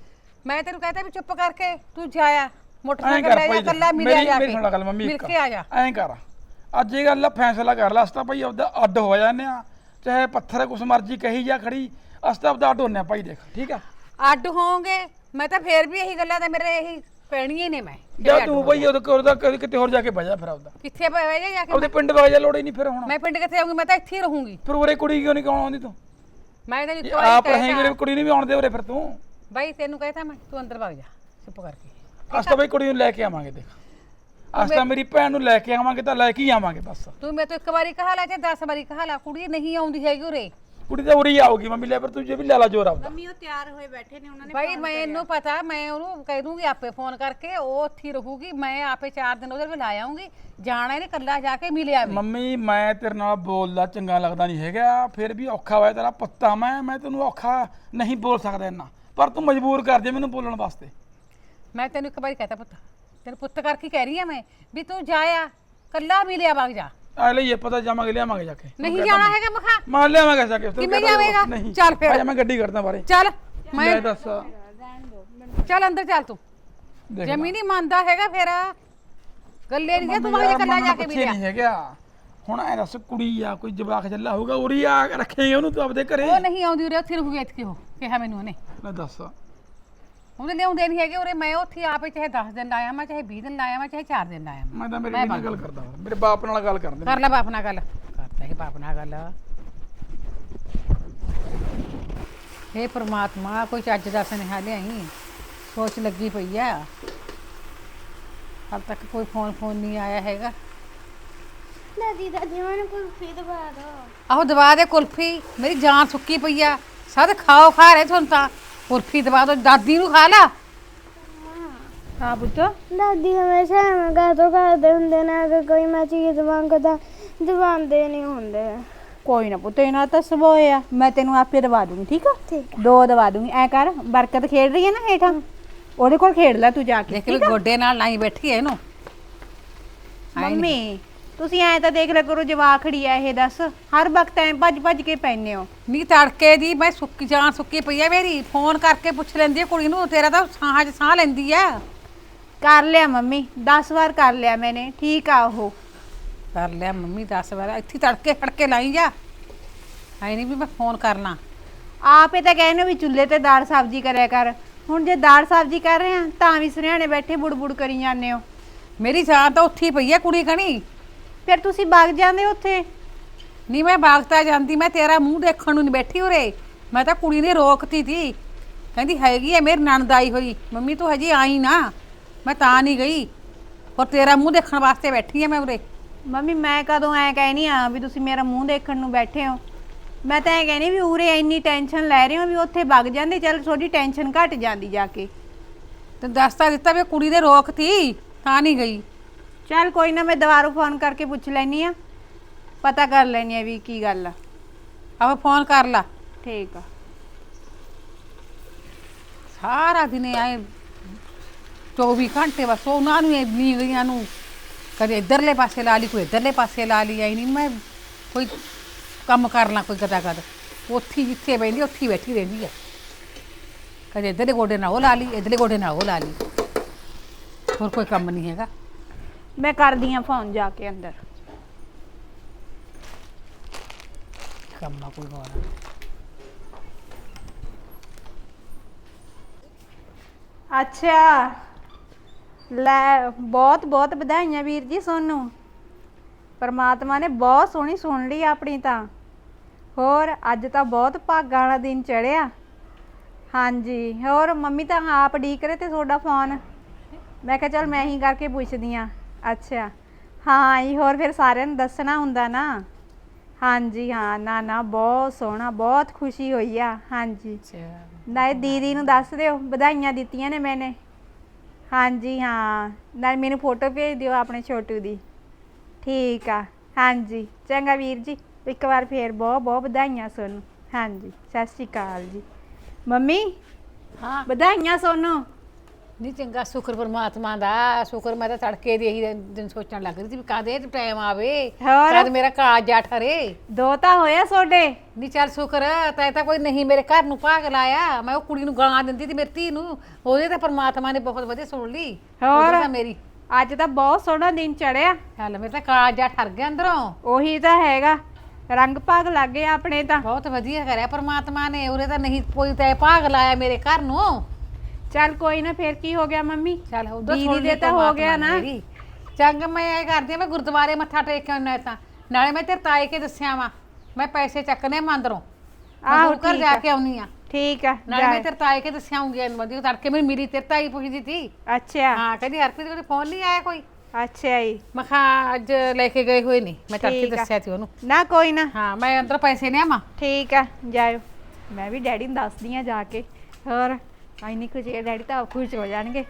C: ਮੈਂ ਤੈਨੂੰ ਕਹਤਾ ਵੀ ਚੁੱਪ ਕਰਕੇ ਤੂੰ ਜਾਇਆ,
D: ਐਂ
C: ਮੋਟਰਸਾਈਕਲ
D: ਕਰ
C: ਲੈ ਜਾ,
D: ਭਾਈ
C: ਕੱਲਾ ਮਿਲਿਆ
D: ਮੇਰੀ
C: ਜਾ
D: ਮੇਰੀ
C: ਕੇ
D: ਸੁਣ ਲੈ ਗੱਲ ਮੰਮੀ
C: ਮਿਲ
D: ਇੱਕ
C: ਕੇ ਆ ਜਾ।
D: ਐਂ ਕਰ ਅੱਜ ਇਹ ਗੱਲ ਦਾ ਫੈਸਲਾ ਕਰ ਲੈ। ਅਸਤਾ ਭਾਈ ਆਪਦਾ ਅੱਡ ਹੋ ਜਾਂਦੇ ਆ, ਚਾਹੇ ਪੱਥਰ ਕੁਛ ਮਰਜੀ ਕਹੀ ਜਾ ਖੜੀ, ਅਸਤਾ ਆਪਦਾ ਅੱਡ ਹੁੰਨੇ ਆ ਭਾਈ। ਦੇਖ ਠੀਕ ਆ
C: ਅੱਡ ਹੋਵਾਂਗੇ ਮੈਂ ਤਾਂ ਫੇਰ ਵੀ ਇਹੀ ਗੱਲਾਂ ਤਾਂ ਮੇਰੇ ਇਹੀ ਪੈਣੀਆਂ ਨੇ। ਮੈਂ
D: ਜਾ ਤੂੰ ਭਾਈ ਉਹਦੇ ਕੋਲ ਦਾ ਕਿਤੇ ਹੋਰ ਜਾ ਕੇ ਬਹਿ ਜਾ ਫਿਰ ਆਪਦਾ,
C: ਕਿੱਥੇ ਬਹਿ ਜਾ ਜਾ ਕੇ?
D: ਆਪਦੇ ਪਿੰਡ ਵਗ ਜਾ, ਲੋੜ ਹੀ ਨਹੀਂ ਫਿਰ ਹੁਣ।
C: ਮੈਂ ਪਿੰਡ ਕਿੱਥੇ ਆਉਂਗੀ? ਮੈਂ ਤਾਂ ਇੱਥੇ ਹੀ ਰਹੂੰਗੀ।
D: ਫਿਰ ਉਰੇ ਕੁੜੀ ਕਿਉਂ ਨਹੀਂ ਕੌਣ ਆਉਂਦੀ ਤੂੰ?
C: ਮੈਂ ਤੈਨੂੰ
D: ਜੇ
C: ਇੱਕ ਵਾਰੀ
D: ਆਪ
C: ਕਹਿ
D: ਰਹੇਂਗੇ
C: ਤਾ-
D: ਕੁੜੀ ਨਹੀਂ ਵੀ ਆਉਣ ਦੇ ਉਰੇ ਫਿਰ ਤੂੰ।
C: ਬਾਈ ਤੈਨੂੰ ਕਹਿਤਾ ਮੈਂ, ਤੂੰ ਅੰਦਰ ਵਗ ਜਾ ਚੁੱਪ ਕਰਕੇ।
D: ਅਸਤਾ ਭਾਈ ਕੁੜੀ ਨੂੰ ਲੈ ਕੇ ਆਵਾਂਗੇ। ਦੇਖ ਅਸਤਾ ਮੇਰੀ ਭੈਣ ਨੂੰ ਲੈ ਕੇ ਆਵਾਂਗੇ ਤਾਂ ਲੈ ਕੇ ਹੀ ਆਵਾਂਗੇ ਬਸ।
C: ਤੂੰ ਮੇਰੇ ਤੋਂ ਇੱਕ ਵਾਰੀ ਕਹਾ ਲੈ ਤੇ ਦਸ ਵਾਰੀ ਕਹਾ ਲੈ, ਕੁੜੀ ਨਹੀਂ ਆਉਂਦੀ ਹੈਗੀ ਉਰੇ।
D: ਕੁੜੀ ਤਾਂ ਉਰੀ ਆਊਗੀ ਮੰਮੀ, ਲੈ ਪਰ ਤੂੰ ਜੇ ਵੀ ਲੈ ਲਾ ਜੋਰ ਆਪਦਾ।
A: ਮੰਮੀ ਉਹ ਤਿਆਰ ਹੋਏ ਬੈਠੇ ਨੇ, ਉਹਨਾਂ ਨੇ
C: ਬਾਈ ਮੈਨੂੰ ਪਤਾ, ਮੈਂ ਉਹਨੂੰ ਕਹਿ ਦੂੰਗੀ ਆਪੇ ਫੋਨ ਕਰਕੇ, ਉਹ ਉੱਥੇ ਹੀ ਰਹੂਗੀ। ਮੈਂ ਆਪੇ ਚਾਰ ਦਿਨ ਉਹਦੇ ਕੋਲ ਲਾ ਆਉਂਗੀ। ਜਾਣਾ ਇਹਨੇ ਕੱਲਾ ਜਾ ਕੇ ਮਿਲਿਆ ਵੀ।
D: ਮੰਮੀ ਮੈਂ ਤੇਰੇ ਨਾਲ ਬੋਲਦਾ ਚੰਗਾ ਲੱਗਦਾ ਨਹੀਂ ਹੈਗਾ, ਫਿਰ ਵੀ ਔਖਾ ਹੋਇਆ ਤੇਰਾ ਪੁੱਤਾ ਮੈਂ ਮੈਂ ਤੈਨੂੰ ਔਖਾ ਨਹੀਂ ਬੋਲ ਸਕਦਾ ਇੰਨਾ, ਪਰ ਤੂੰ ਮਜਬੂਰ ਕਰ ਦੇ ਮੈਨੂੰ ਬੋਲਣ ਵਾਸਤੇ।
C: ਮੈਂ ਤੈਨੂੰ ਇੱਕ ਵਾਰੀ ਕਹਤਾ ਪੁੱਤ, ਤੈਨੂੰ ਪੁੱਤ ਕਰਕੇ ਕਹਿ ਰਹੀ ਆ ਮੈਂ ਵੀ ਤੂੰ ਜਾਇਆ ਕੱਲਾ ਮਿਲਿਆ ਵਗ ਜਾ।
D: ਆ ਲਈਏ ਪਤਾ ਜਾਵਾਂਗੇ ਲਿਆਵਾਂਗੇ ਜਾ ਕੇ।
C: ਨਹੀਂ ਜਾਣਾ ਹੈਗਾ ਮਖਾ?
D: ਮਾਰ ਲਿਆਵਾਂਗੇ ਜਾ ਕੇ।
C: ਕਿਵੇਂ ਜਾਵੇਂਗਾ?
D: ਨਹੀਂ
C: ਚੱਲ ਫਿਰ।
D: ਆ ਜਾ ਮੈਂ ਗੱਡੀ ਕਰਦਾ ਬਾਰੇ।
C: ਚੱਲ ਮੈਂ
D: ਮੈਂ ਦੱਸ
C: ਚੱਲ ਅੰਦਰ ਚੱਲ ਤੂੰ।
D: ਦੇਖ ਲੈ।
C: ਜਮੀ ਨਹੀਂ ਮੰਨਦਾ ਹੈਗਾ ਫਿਰ ਗੱਲੇ ਨਹੀਂ ਤੂੰ ਵਗ ਜਾ ਕੱਲਾ ਜਾ ਕੇ ਮਿਲਿਆ।
D: ਨਹੀਂ ਹੈਗਾ ਹੁਣ ਐ ਦੱਸ ਕੁੜੀ ਆ ਕੋਈ ਜਵਾਕ ਜੱਲਾ ਹੋਊਗਾ ਉਰੀ ਆ ਰੱਖੇਂਗੇ ਉਹਨੂੰ ਤੂੰ ਆਪਦੇ ਘਰੇ?
C: ਉਹ ਨਹੀਂ ਆਉਂਦੀ ਉਰੇ, ਉੱਥੇ ਰਹੂਗੀ ਇੱਥੇ। ਉਹ ਕਿਹਾ ਮੈਨੂੰ ਉਹਨੇ,
D: ਲੈ ਦੱਸ
C: ਉਹਨੇ ਲਿਆਉਂਦੇ ਨਹੀਂ ਹੈਗੇ ਉਰੇ। ਮੈਂ ਉੱਥੇ ਆਪੇ ਚਾਹੇ ਦਸ ਦਿਨ ਲਾਇਆ ਮੈਂ, ਚਾਹੇ ਵੀਹ ਦਿਨ ਲਾਇਆ ਮੈਂ, ਚਾਹੇ ਚਾਰ ਦਿਨ ਲਾਇਆ ਮੈਂ।
D: ਮੈਂ ਤਾਂ ਮੇਰੇ ਨਾਲ ਗੱਲ ਕਰਦਾ, ਮੇਰੇ ਬਾਪ ਨਾਲ ਗੱਲ ਕਰਦੇ।
C: ਕਰ ਲੈ ਬਾਪ ਨਾਲ ਗੱਲ, ਕਰਦਾ ਹੈ ਬਾਪ ਨਾਲ ਗੱਲ। ਹੇ ਪ੍ਰਮਾਤਮਾ ਕੋਈ ਚੱਜ ਦਾ ਸੁਨੇਹਾ ਲਿਆਈ, ਸੋਚ ਲੱਗੀ ਪਈ ਆ। ਹਾਲ ਤੱਕ ਕੋਈ ਫੋਨ ਫੋਨ ਨਹੀਂ ਆਇਆ ਹੈਗਾ।
F: ਦਾਦੀ ਦਾਦੀ ਮੈਨੂੰ ਕੁਲਫੀ ਦਵਾ ਦੋ।
C: ਆਹੋ ਦਵਾ ਦੇ ਕੁਲਫੀ, ਮੇਰੀ ਜਾਨ ਸੁੱਕੀ ਪਈ ਆ। ਸਦ ਖਾਓ ਖਾ ਰਹੇ ਤੁਹਾਨੂੰ ਤਾਂ, ਕੁਲਫੀ ਦਵਾ ਦੋ। ਦਾਦੀ ਨੂੰ ਖਾ ਲਾ। ਹਾਂ ਪੁੱਤ
F: ਦਾਦੀ ਹਮੇਸ਼ਾ ਐਵੇਂ ਕਾਹਤੋਂ ਕਰਦੇ ਹੁੰਦੇ ਨੇ, ਅਗਰ ਕੋਈ ਮੈਂ ਚੀਜ਼ ਮੰਗਦਾ ਦਵਾਉਂਦੇ ਨਹੀਂ ਹੁੰਦੇ।
A: ਕੋਈ ਨਾ ਪੁੱਤ, ਇਹਨਾਂ ਤਾਂ ਸੁਭਾਅ ਆ, ਮੈਂ ਤੈਨੂੰ ਆਪੇ ਦਵਾ ਦੂੰਗੀ। ਠੀਕ ਆ?
F: ਠੀਕ
A: ਦੋ ਦਵਾ ਦੂੰਗੀ। ਐ ਕਰ, ਬਰਕਤ ਖੇਡ ਰਹੀ ਹੈ ਨਾ ਹੇਠਾਂ, ਉਹਦੇ ਕੋਲ ਖੇਡ ਲੈ ਤੂੰ ਜਾ ਕੇ।
C: ਦੇਖ ਵੀ ਗੋਡੇ ਨਾਲ ਲਾਈ ਬੈਠੀ ਐ ਇਹਨੂੰ।
A: ਮੰਮੀ ਤੁਸੀਂ ਐ ਤਾਂ ਦੇਖ ਲਿਆ ਕਰੋ, ਜਵਾਖੜੀ ਆ ਇਹ। ਦੱਸ ਹਰ ਵਕਤ ਐ ਭੱਜ ਭੱਜ ਕੇ ਪੈਨੇ ਹੋ।
C: ਨੀ ਤੜਕੇ ਦੀ ਮੈਂ ਸੁੱਕੀ ਜਾਨ ਸੁੱਕੀ ਪਈ ਆ ਮੇਰੀ। ਫੋਨ ਕਰਕੇ ਪੁੱਛ ਲੈਂਦੀ ਆ ਕੁੜੀ ਨੂੰ, ਤੇਰਾ ਤਾਂ ਸਾਹਾਂ 'ਚ ਸਾਹ ਲੈਂਦੀ ਆ।
A: ਕਰ ਲਿਆ ਮੰਮੀ, ਦਸ ਵਾਰ ਕਰ ਲਿਆ ਮੈਨੇ। ਠੀਕ ਆ ਉਹ
C: ਕਰ ਲਿਆ ਮੰਮੀ ਦਸ ਵਾਰ। ਇੱਥੇ ਤੜਕੇ ਖੜਕੇ ਲਾਈ ਜਾ, ਐ ਨਹੀਂ ਵੀ ਮੈਂ ਫੋਨ ਕਰਨਾ।
A: ਆਪੇ ਤਾਂ ਕਹਿੰਦੇ ਵੀ ਚੁੱਲ੍ਹੇ ਤੇ ਦਾਲ ਸਬਜ਼ੀ ਕਰਿਆ ਕਰ। ਹੁਣ ਜੇ ਦਾਲ ਸਬਜ਼ੀ ਕਰ ਰਹੇ ਆ ਤਾਂ ਵੀ ਸੁਨਿਆਣੇ ਬੈਠੇ ਬੁੜਬੁੜ ਕਰੀ ਜਾਂਦੇ ਹੋ।
C: ਮੇਰੀ ਜਾਨ ਤਾਂ ਉੱਥੇ ਹੀ ਪਈ ਆ ਕੁੜੀ ਕਣੀ।
A: ਫਿਰ ਤੁਸੀਂ ਵਗ ਜਾਂਦੇ ਉੱਥੇ।
C: ਨਹੀਂ ਮੈਂ ਬਾਗਤਾ ਜਾਂਦੀ, ਮੈਂ ਤੇਰਾ ਮੂੰਹ ਦੇਖਣ ਨੂੰ ਨਹੀਂ ਬੈਠੀ ਉਰੇ। ਮੈਂ ਤਾਂ ਕੁੜੀ ਨੇ ਰੋਕਤੀ ਤੀ, ਕਹਿੰਦੀ ਹੈਗੀ ਐ ਮੇਰੀ ਨਣਦ ਆਈ ਹੋਈ। ਮੰਮੀ ਤੂੰ ਹਜੇ ਆਈ ਨਾ, ਮੈਂ ਤਾਂ ਨਹੀਂ ਗਈ। ਹੋਰ ਤੇਰਾ ਮੂੰਹ ਦੇਖਣ ਵਾਸਤੇ ਬੈਠੀ ਆ ਮੈਂ ਉਰੇ।
A: ਮੰਮੀ ਮੈਂ ਕਦੋਂ ਐ ਕਹਿਨੀ ਆ ਵੀ ਤੁਸੀਂ ਮੇਰਾ ਮੂੰਹ ਦੇਖਣ ਨੂੰ ਬੈਠੇ ਹੋ। ਮੈਂ ਤਾਂ ਐ ਕਹਿਨੀ ਵੀ ਉਰੇ ਇੰਨੀ ਟੈਨਸ਼ਨ ਲੈ ਰਹੇ ਹੋ ਵੀ ਉੱਥੇ ਵਗ ਜਾਂਦੇ, ਚੱਲ ਥੋੜੀ ਟੈਨਸ਼ਨ ਘਟ ਜਾਂਦੀ ਜਾ ਕੇ।
C: ਤੇ ਦੱਸ ਤਾਂ ਦਿੱਤਾ ਵੀ ਕੁੜੀ ਦੇ ਰੋਕ ਤੀ ਤਾਂ ਨਹੀਂ ਗਈ।
A: ਚੱਲ ਕੋਈ ਨਾ, ਮੈਂ ਦੁਬਾਰਾ ਫੋਨ ਕਰਕੇ ਪੁੱਛ ਲੈਣੀ ਆ, ਪਤਾ ਕਰ ਲੈਣੀ ਆ ਵੀ ਕੀ ਗੱਲ ਆ।
C: ਆਹ ਫੋਨ ਕਰ ਲਾ।
A: ਠੀਕ ਆ।
C: ਸਾਰਾ ਦਿਨ ਆਏ ਚੌਵੀ ਘੰਟੇ ਬਸ ਉਹਨਾਂ ਨੂੰ ਇੰਨੀ ਗਈਆਂ ਨੂੰ ਕਦੇ ਇੱਧਰਲੇ ਪਾਸੇ ਲਾ ਲਈ, ਕੋਈ ਇੱਧਰਲੇ ਪਾਸੇ ਲਾ ਲਈ। ਆਈ ਨਹੀਂ ਮੈਂ ਕੋਈ ਕੰਮ ਕਰ ਲਾਂ ਕੋਈ ਕਦਾ ਕਦ, ਉੱਥੇ ਜਿੱਥੇ ਬੈਠੀ ਉੱਥੇ ਬੈਠੀ ਰਹਿੰਦੀ ਆ। ਕਦੇ ਇੱਧਰਲੇ ਗੋਡੇ ਨਾਲ ਉਹ ਲਾ ਲਈ, ਇੱਧਰਲੇ ਗੋਡੇ ਨਾਲ ਉਹ ਲਾ ਲਈ, ਹੋਰ ਕੋਈ ਕੰਮ ਨਹੀਂ ਹੈਗਾ।
A: ਮੈਂ ਕਰਦੀ ਆ ਫੋਨ ਜਾ ਕੇ ਅੰਦਰ।
C: ਕੰਮ ਆ ਕੋਈ ਹੋਰ।
A: ਅੱਛਾ ਲੈ, ਬਹੁਤ ਬਹੁਤ ਵਧਾਈਆਂ ਵੀਰ ਜੀ ਸੋਨੂੰ। ਪਰਮਾਤਮਾ ਨੇ ਬਹੁਤ ਸੋਹਣੀ ਸੁਣ ਲਈ ਆਪਣੀ ਤਾਂ। ਹੋਰ ਅੱਜ ਤਾਂ ਬਹੁਤ ਭਾਗਾਂ ਵਾਲਾ ਦਿਨ ਚੜਿਆ। ਹਾਂਜੀ ਹੋਰ ਮੰਮੀ ਤਾਂ ਆਪ ਡੀਕ ਰਹੇ ਤੇ ਤੁਹਾਡਾ ਫੋਨ। ਮੈਂ ਕਿਹਾ ਚੱਲ ਮੈਂ ਹੀ ਕਰਕੇ ਪੁੱਛਦੀ ਆ। ਅੱਛਾ ਹਾਂ ਜੀ, ਹੋਰ ਫਿਰ ਸਾਰਿਆਂ ਨੂੰ ਦੱਸਣਾ ਹੁੰਦਾ ਨਾ। ਹਾਂਜੀ ਹਾਂ, ਨਾ ਨਾ ਬਹੁਤ ਸੋਹਣਾ, ਬਹੁਤ ਖੁਸ਼ੀ ਹੋਈ ਆ। ਹਾਂਜੀ ਨਾਲੇ ਦੀਦੀ ਨੂੰ ਦੱਸ ਦਿਓ ਵਧਾਈਆਂ ਦਿੱਤੀਆਂ ਨੇ ਮੈਨੇ। ਹਾਂਜੀ ਹਾਂ, ਨਾਲ ਮੈਨੂੰ ਫੋਟੋ ਭੇਜ ਦਿਓ ਆਪਣੇ ਛੋਟੂ ਦੀ। ਠੀਕ ਆ ਹਾਂਜੀ, ਚੰਗਾ ਵੀਰ ਜੀ, ਇੱਕ ਵਾਰ ਫੇਰ ਬਹੁਤ ਬਹੁਤ ਵਧਾਈਆਂ ਸੋਨੂੰ। ਹਾਂਜੀ ਸਤਿ ਸ਼੍ਰੀ ਅਕਾਲ ਜੀ। ਮੰਮੀ
B: ਹਾਂ
A: ਵਧਾਈਆਂ ਸੋਨੂੰ।
B: ਨਹੀਂ ਚੰਗਾ, ਸ਼ੁਕਰ ਪਰਮਾਤਮਾ ਦਾ। ਸ਼ੁਕਰ ਮੈਂ ਤਾਂ ਤੜਕੇ ਦੀ ਇਹੀ ਦਿਨ ਸੋਚਣ ਲੱਗ ਰਹੀ ਸੀ ਵੀ ਕਦੇ ਟਾਈਮ ਆਵੇ,
A: ਹੋਰ?
B: ਕਦ ਮੇਰਾ ਕਾਜ ਜਾ ਠਰੇ।
A: ਦੋ ਤਾਂ ਹੋਇਆ ਤੁਹਾਡੇ।
B: ਨਹੀਂ ਚੱਲ ਸ਼ੁਕਰ ਤੈ ਤਾਂ ਕੋਈ ਨਹੀਂ ਮੇਰੇ ਘਰ ਨੂੰ ਭਾਗ ਲਾਇਆ। ਮੈਂ ਉਹ ਕੁੜੀ ਨੂੰ ਗਾਲਾਂ ਦਿੰਦੀ ਸੀ ਮੇਰੀ ਧੀ ਨੂੰ, ਉਹਦੇ ਤਾਂ ਪਰਮਾਤਮਾ ਨੇ ਬਹੁਤ ਵਧੀਆ ਸੁਣ ਲਈ।
A: ਹੋਰ?
B: ਉਹਦੇ ਤਾਂ ਮੇਰੀ
A: ਅੱਜ ਤਾਂ ਬਹੁਤ ਸੋਹਣਾ ਦਿਨ ਚੜਿਆ।
B: ਚੱਲ ਮੇਰੇ ਤਾਂ ਕਾਜ ਜਾ ਠਰ ਗਿਆ ਅੰਦਰੋਂ।
A: ਉਹੀ ਤਾਂ ਹੈਗਾ, ਰੰਗ ਭਾਗ ਲੱਗ ਗਏ ਆਪਣੇ ਤਾਂ।
B: ਬਹੁਤ ਵਧੀਆ ਕਰਿਆ ਪਰਮਾਤਮਾ ਨੇ, ਉਹਦੇ ਤਾਂ ਨਹੀਂ ਕੋਈ ਤੈ ਭਾਗ ਲਾਇਆ ਮੇਰੇ ਘਰ ਨੂੰ।
A: ਚੱਲ ਕੋਈ ਨਾ, ਫੇਰ ਕੀ ਹੋ ਗਿਆ ਮੰਮੀ।
B: ਚੱਲ ਉਦੋਂ
A: ਦੀਦੀ
B: ਸੁਣ
A: ਦੇ
B: ਲਈ
A: ਤਾਂ ਹੋ
B: ਪਰਮਾਤਮਾ
A: ਗਿਆ ਨਾ।
B: ਮੇਰੀ। ਚੰਗ ਮੈਂ ਇਹ ਕਰਦੀ ਆ, ਮੈਂ ਗੁਰਦੁਆਰੇ ਮੱਥਾ ਟੇਕ ਕੇ ਆਉਣਾ ਤਾਂ ਨਾਲੇ ਮੈਂ ਤੇਰੇ ਤਾਏ ਕੇ ਦੱਸਿਆ ਵਾ ਮੈਂ ਪੈਸੇ ਚੱਕਨੇ ਮੰਦਰੋਂ।
A: ਆਹੋ
B: ਘਰ
A: ਠੀਕ
B: ਜਾ
A: ਆ।
B: ਕੇ ਆਉਣੀ ਆ।
A: ਠੀਕ ਆ
B: ਨਾਲੇ ਮੈਂ
A: ਜਾ।
B: ਤੇਰੇ ਤਾਏ ਕੇ ਦੱਸਿਆ ਆਉਂਗੀ ਵਧੀਆ ਤੜਕੇ ਮੇਰੀ ਮੇਰੀ ਤੇਰੇ ਤਾਈ ਪੁੱਛਦੀ ਸੀ।
A: ਅੱਛਾ
B: ਹਾਂ ਕਹਿੰਦੀ ਹਰਪ੍ਰੀਤ ਕੋਲ ਫੋਨ ਨਹੀਂ ਆਇਆ ਕੋਈ।
A: ਅੱਛਾ ਜੀ।
B: ਮੈਂ ਕਿਹਾ ਅੱਜ ਲੈ ਕੇ ਗਏ ਹੋਏ ਨਹੀਂ, ਮੈਂ ਤੜਕੇ
A: ਠੀਕ ਆ।
B: ਦੱਸਿਆ ਸੀ ਉਹਨੂੰ।
A: ਨਾ ਕੋਈ ਨਾ,
B: ਹਾਂ ਮੈਂ ਅੰਦਰ ਪੈਸੇ ਲਿਆਵਾਂ।
A: ਠੀਕ ਆ ਜਾਇਓ। ਮੈਂ ਵੀ ਡੈਡੀ ਨੂੰ ਦੱਸਦੀ ਆ ਜਾ ਕੇ। ਹੋਰ ਇੰਨੀ ਕੁ ਜੇ ਡੈਡੀ ਤਾਂ ਖੁਸ਼ ਹੋ ਜਾਣਗੇ।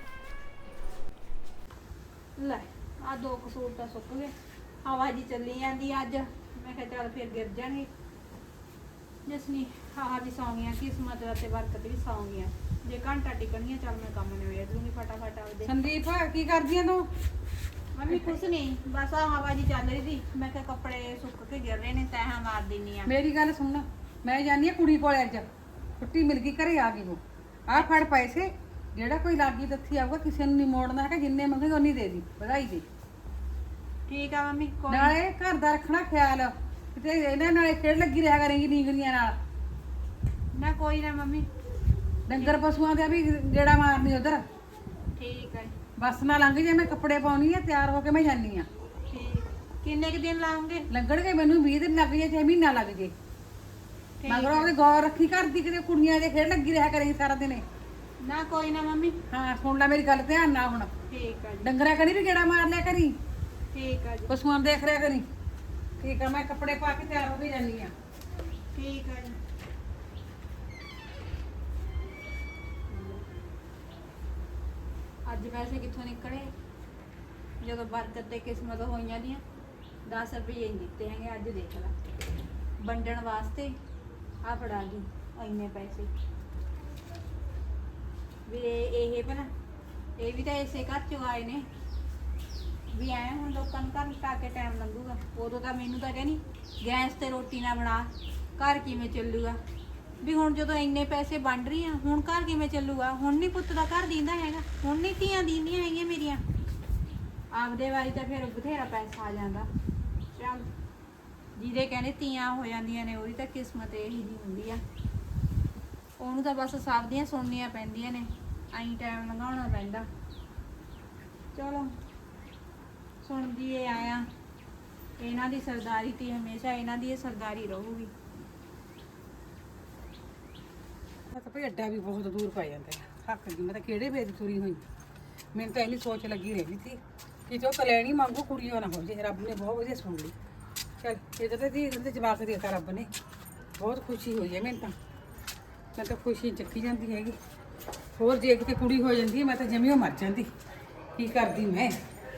A: ਲੈ ਆ ਦੋ ਕਸੂਰ ਤਾਂ ਸੁੱਕ ਗਏ, ਹਵਾ ਜੀ ਚੱਲੀ ਜਾਂਦੀ ਅੱਜ। ਮੈਂ ਕਿਹਾ ਚੱਲ ਫਿਰ ਗਿਰ ਜਾਣਗੇ। ਜਸਨੀ ਹਾਹਾ ਵੀ ਸੌਂ ਗਈਆਂ, ਕਿਸਮਤ ਤੇ ਬਰਕਤ ਵੀ ਸੌਂ ਗਈਆਂ। ਜੇ ਘੰਟਾ ਟਿਕਣੀਆਂ ਚੱਲ ਮੈਂ ਕੰਮ ਨਿਬੇੜ ਲੂੰਗੀ ਫਟਾਫਟ ਆਪਦੇ।
C: ਸੰਦੀਪ ਕੀ ਕਰਦੀ ਆ ਤੂੰ?
A: ਮੰਮੀ ਕੁਛ ਨਹੀਂ, ਬਸ ਆ ਹਵਾ ਜੀ ਚੱਲ ਰਹੀ ਸੀ। ਮੈਂ ਕਿਹਾ ਕੱਪੜੇ ਸੁੱਕ ਕੇ ਗਿਰ ਰਹੇ ਨੇ, ਤੈਹਾਂ ਮਾਰ ਦਿੰਨੀ ਆ।
C: ਮੇਰੀ ਗੱਲ ਸੁਣ, ਮੈਂ ਜਾਨੀ ਆ ਕੁੜੀ ਕੋਲ ਅੱਜ ਛੁੱਟੀ ਮਿਲ ਗਈ, ਘਰੇ ਆ ਗਈ ਉਹ। ਆਹ ਫੜ ਪੈਸੇ, ਜਿਹੜਾ ਕੋਈ ਲਾਗੀ ਦੱਥੀ ਆਊਗਾ ਕਿਸੇ ਨੂੰ ਨਹੀਂ ਮੋੜਨਾ ਹੈਗਾ, ਜਿੰਨੇ ਮੰਗੇਗਾ ਉਨੀ ਦੇ ਦੀ, ਵਧਾਈ ਦੇ।
A: ਠੀਕ ਆ ਮੰਮੀ, ਕੋਈ
C: ਨਾਲੇ ਘਰ ਦਾ ਰੱਖਣਾ ਖਿਆਲ, ਕਿਤੇ ਇਹਨਾਂ ਨਾਲੇ ਖੇਡ ਲੱਗੀ ਰਿਹਾ ਕਰੇਗੀ ਨੀਂਗਰੀਆਂ ਨਾਲ।
A: ਨਾ ਕੋਈ ਨਾ ਮੰਮੀ।
C: ਡੰਗਰ ਪਸ਼ੂਆਂ ਦੇ ਵੀ ਜਿਹੜਾ ਮਾਰਨੀ ਉਧਰ।
A: ਠੀਕ ਹੈ
C: ਬੱਸ ਨਾ ਲੰਘ ਜੇ, ਮੈਂ ਕੱਪੜੇ ਪਾਉਣੀ ਆ, ਤਿਆਰ ਹੋ ਕੇ ਮੈਂ ਜਾਨੀ ਆ।
A: ਠੀਕ। ਕਿੰਨੇ ਕੁ ਦਿਨ ਲਾਉਂਗੇ?
C: ਲੱਗਣਗੇ ਮੈਨੂੰ ਵੀਹ ਦਿਨ ਲੱਗ ਜੇ ਚਾਹੇ ਮਹੀਨਾ ਲੱਗ ਜੇ। ਮਗਰੋਂ ਉਹਦੇ ਗੌਰ ਰੱਖੀ ਕਰਦੀ, ਕਿਤੇ ਕੁੜੀਆਂ ਦੇ ਖੇਡ ਲੱਗੀ ਰਿਹਾ ਕਰੇਗੀ ਸਾਰਾ ਦਿਨ।
A: ਨਾ ਕੋਈ ਨਾ ਮੰਮੀ।
C: ਹਾਂ ਸੁਣ ਲੈ ਮੇਰੀ ਗੱਲ, ਧਿਆਨ ਨਾਲ ਹੁਣ।
A: ਠੀਕ ਆ ਜੀ।
C: ਡੰਗਰਾਂ ਕਣੀ ਵੀ ਗੇੜਾ ਮਾਰ ਲਿਆ ਕਰੀ,
A: ਠੀਕ ਆ ਜੀ।
C: ਪਸ਼ੂਆਂ ਨੂੰ ਦੇਖ ਰਿਆ ਕਰੀ। ਠੀਕ ਆ, ਮੈਂ ਕੱਪੜੇ ਪਾ ਕੇ ਤਿਆਰ ਹੋ ਕੇ ਜਾਨੀ ਆ।
A: ਠੀਕ ਆ ਜੀ। ਅੱਜ ਪੈਸੇ ਕਿੱਥੋਂ ਨਿਕਲੇ? ਜਦੋਂ ਬਰਕਤ ਤੇ ਕਿਸਮਤ ਹੋਈਆਂ ਦੀਆਂ ਦਸ ਰੁਪਏ ਹੀ ਦਿੱਤੇ ਹੈਗੇ। ਅੱਜ ਦੇਖ ਲੈ, ਵੰਡਣ ਵਾਸਤੇ ਆ ਫੜਾ ਗਈ ਇੰਨੇ ਪੈਸੇ ਵੀ। ਇਹ ਇਹ ਭਲਾ ਇਹ ਵੀ ਤਾਂ ਇਸੇ ਘਰ ਚੋਂ ਆਏ ਨੇ ਵੀ। ਐ ਹੁਣ ਲੋਕਾਂ ਨੂੰ ਘਰ ਟਾ ਕੇ ਟਾਈਮ ਲੰਘੂਗਾ। ਉਦੋਂ ਤਾਂ ਮੈਨੂੰ ਤਾਂ ਕਹਿੰਦੀ ਗੈਸ ਤੇ ਰੋਟੀ ਨਾ ਬਣਾ, ਘਰ ਕਿਵੇਂ ਚੱਲੂਗਾ? ਵੀ ਹੁਣ ਜਦੋਂ ਇੰਨੇ ਪੈਸੇ ਵੰਡ ਰਹੀ ਆ, ਹੁਣ ਘਰ ਕਿਵੇਂ ਚੱਲੂਗਾ? ਹੁਣ ਨਹੀਂ ਪੁੱਤ ਦਾ ਘਰ ਦੀਂਦਾ ਹੈਗਾ, ਹੁਣ ਨਹੀਂ ਧੀਆਂ ਦੀਂਦੀਆਂ ਹੈਗੀਆਂ ਮੇਰੀਆਂ। ਆਪਦੇ ਵਾਰੀ ਤਾਂ ਫਿਰ ਬਥੇਰਾ ਪੈਸਾ ਆ ਜਾਂਦਾ। ਚੱਲ ਜਿਹਦੇ ਕਹਿੰਦੇ ਧੀਆਂ ਹੋ ਜਾਂਦੀਆਂ ਨੇ, ਉਹਦੀ ਤਾਂ ਕਿਸਮਤ ਇਹੀ ਜਿਹੀ ਹੁੰਦੀ ਆ। ਉਹਨੂੰ ਤਾਂ ਬਸ ਸਭ ਦੀਆਂ ਸੁਣਨੀਆਂ ਪੈਂਦੀਆਂ ਨੇ, ਐਂ ਟਾਈਮ ਲੰਘਾਉਣਾ ਪੈਂਦਾ। ਚਲੋ ਸੁਣਦੀ ਏ ਆਇਆ, ਇਹਨਾਂ ਦੀ ਸਰਦਾਰੀ ਤੇ ਹਮੇਸ਼ਾ ਇਹਨਾਂ ਦੀ ਇਹ ਸਰਦਾਰੀ ਰਹੂਗੀ।
C: ਮੈਂ ਤਾਂ ਭਈ ਅੱਡਾ ਵੀ ਬਹੁਤ ਦੂਰ ਪੈ ਜਾਂਦਾ ਹੈ। ਥੱਕ ਗਈ ਮੈਂ ਤਾਂ, ਕਿਹੜੇ ਵੇਚ ਤੁਰੀ ਹੋਈ। ਮੈਨੂੰ ਤਾਂ ਇੰਨੀ ਸੋਚ ਲੱਗੀ ਰਹਿੰਦੀ ਸੀ ਕਿਤੋਂ ਕਲੈਣੀ ਮੰਗੋ ਕੁੜੀਆਂ ਨਾ ਹੋ ਜੇ ਰੱਬ ਨੇ ਬਹੁਤ ਵਧੀਆ ਸੁਣ ਲਈ ਚਲ ਇਹਦਾ ਤਾਂ ਦੀ ਇਹਦੇ ਜਵਾਬ ਦੇ ਦਿੱਤਾ ਰੱਬ ਨੇ ਬਹੁਤ ਖੁਸ਼ੀ ਹੋਈ ਹੈ ਮੈਨੂੰ ਤਾਂ ਮੈਂ ਤਾਂ ਖੁਸ਼ੀ ਚੱਕੀ ਜਾਂਦੀ ਹੈਗੀ ਹੋਰ ਜੇ ਕਿਤੇ ਕੁੜੀ ਹੋ ਜਾਂਦੀ ਮੈਂ ਤਾਂ ਜਮੀਓ ਮਰ ਜਾਂਦੀ ਕੀ ਕਰਦੀ ਮੈਂ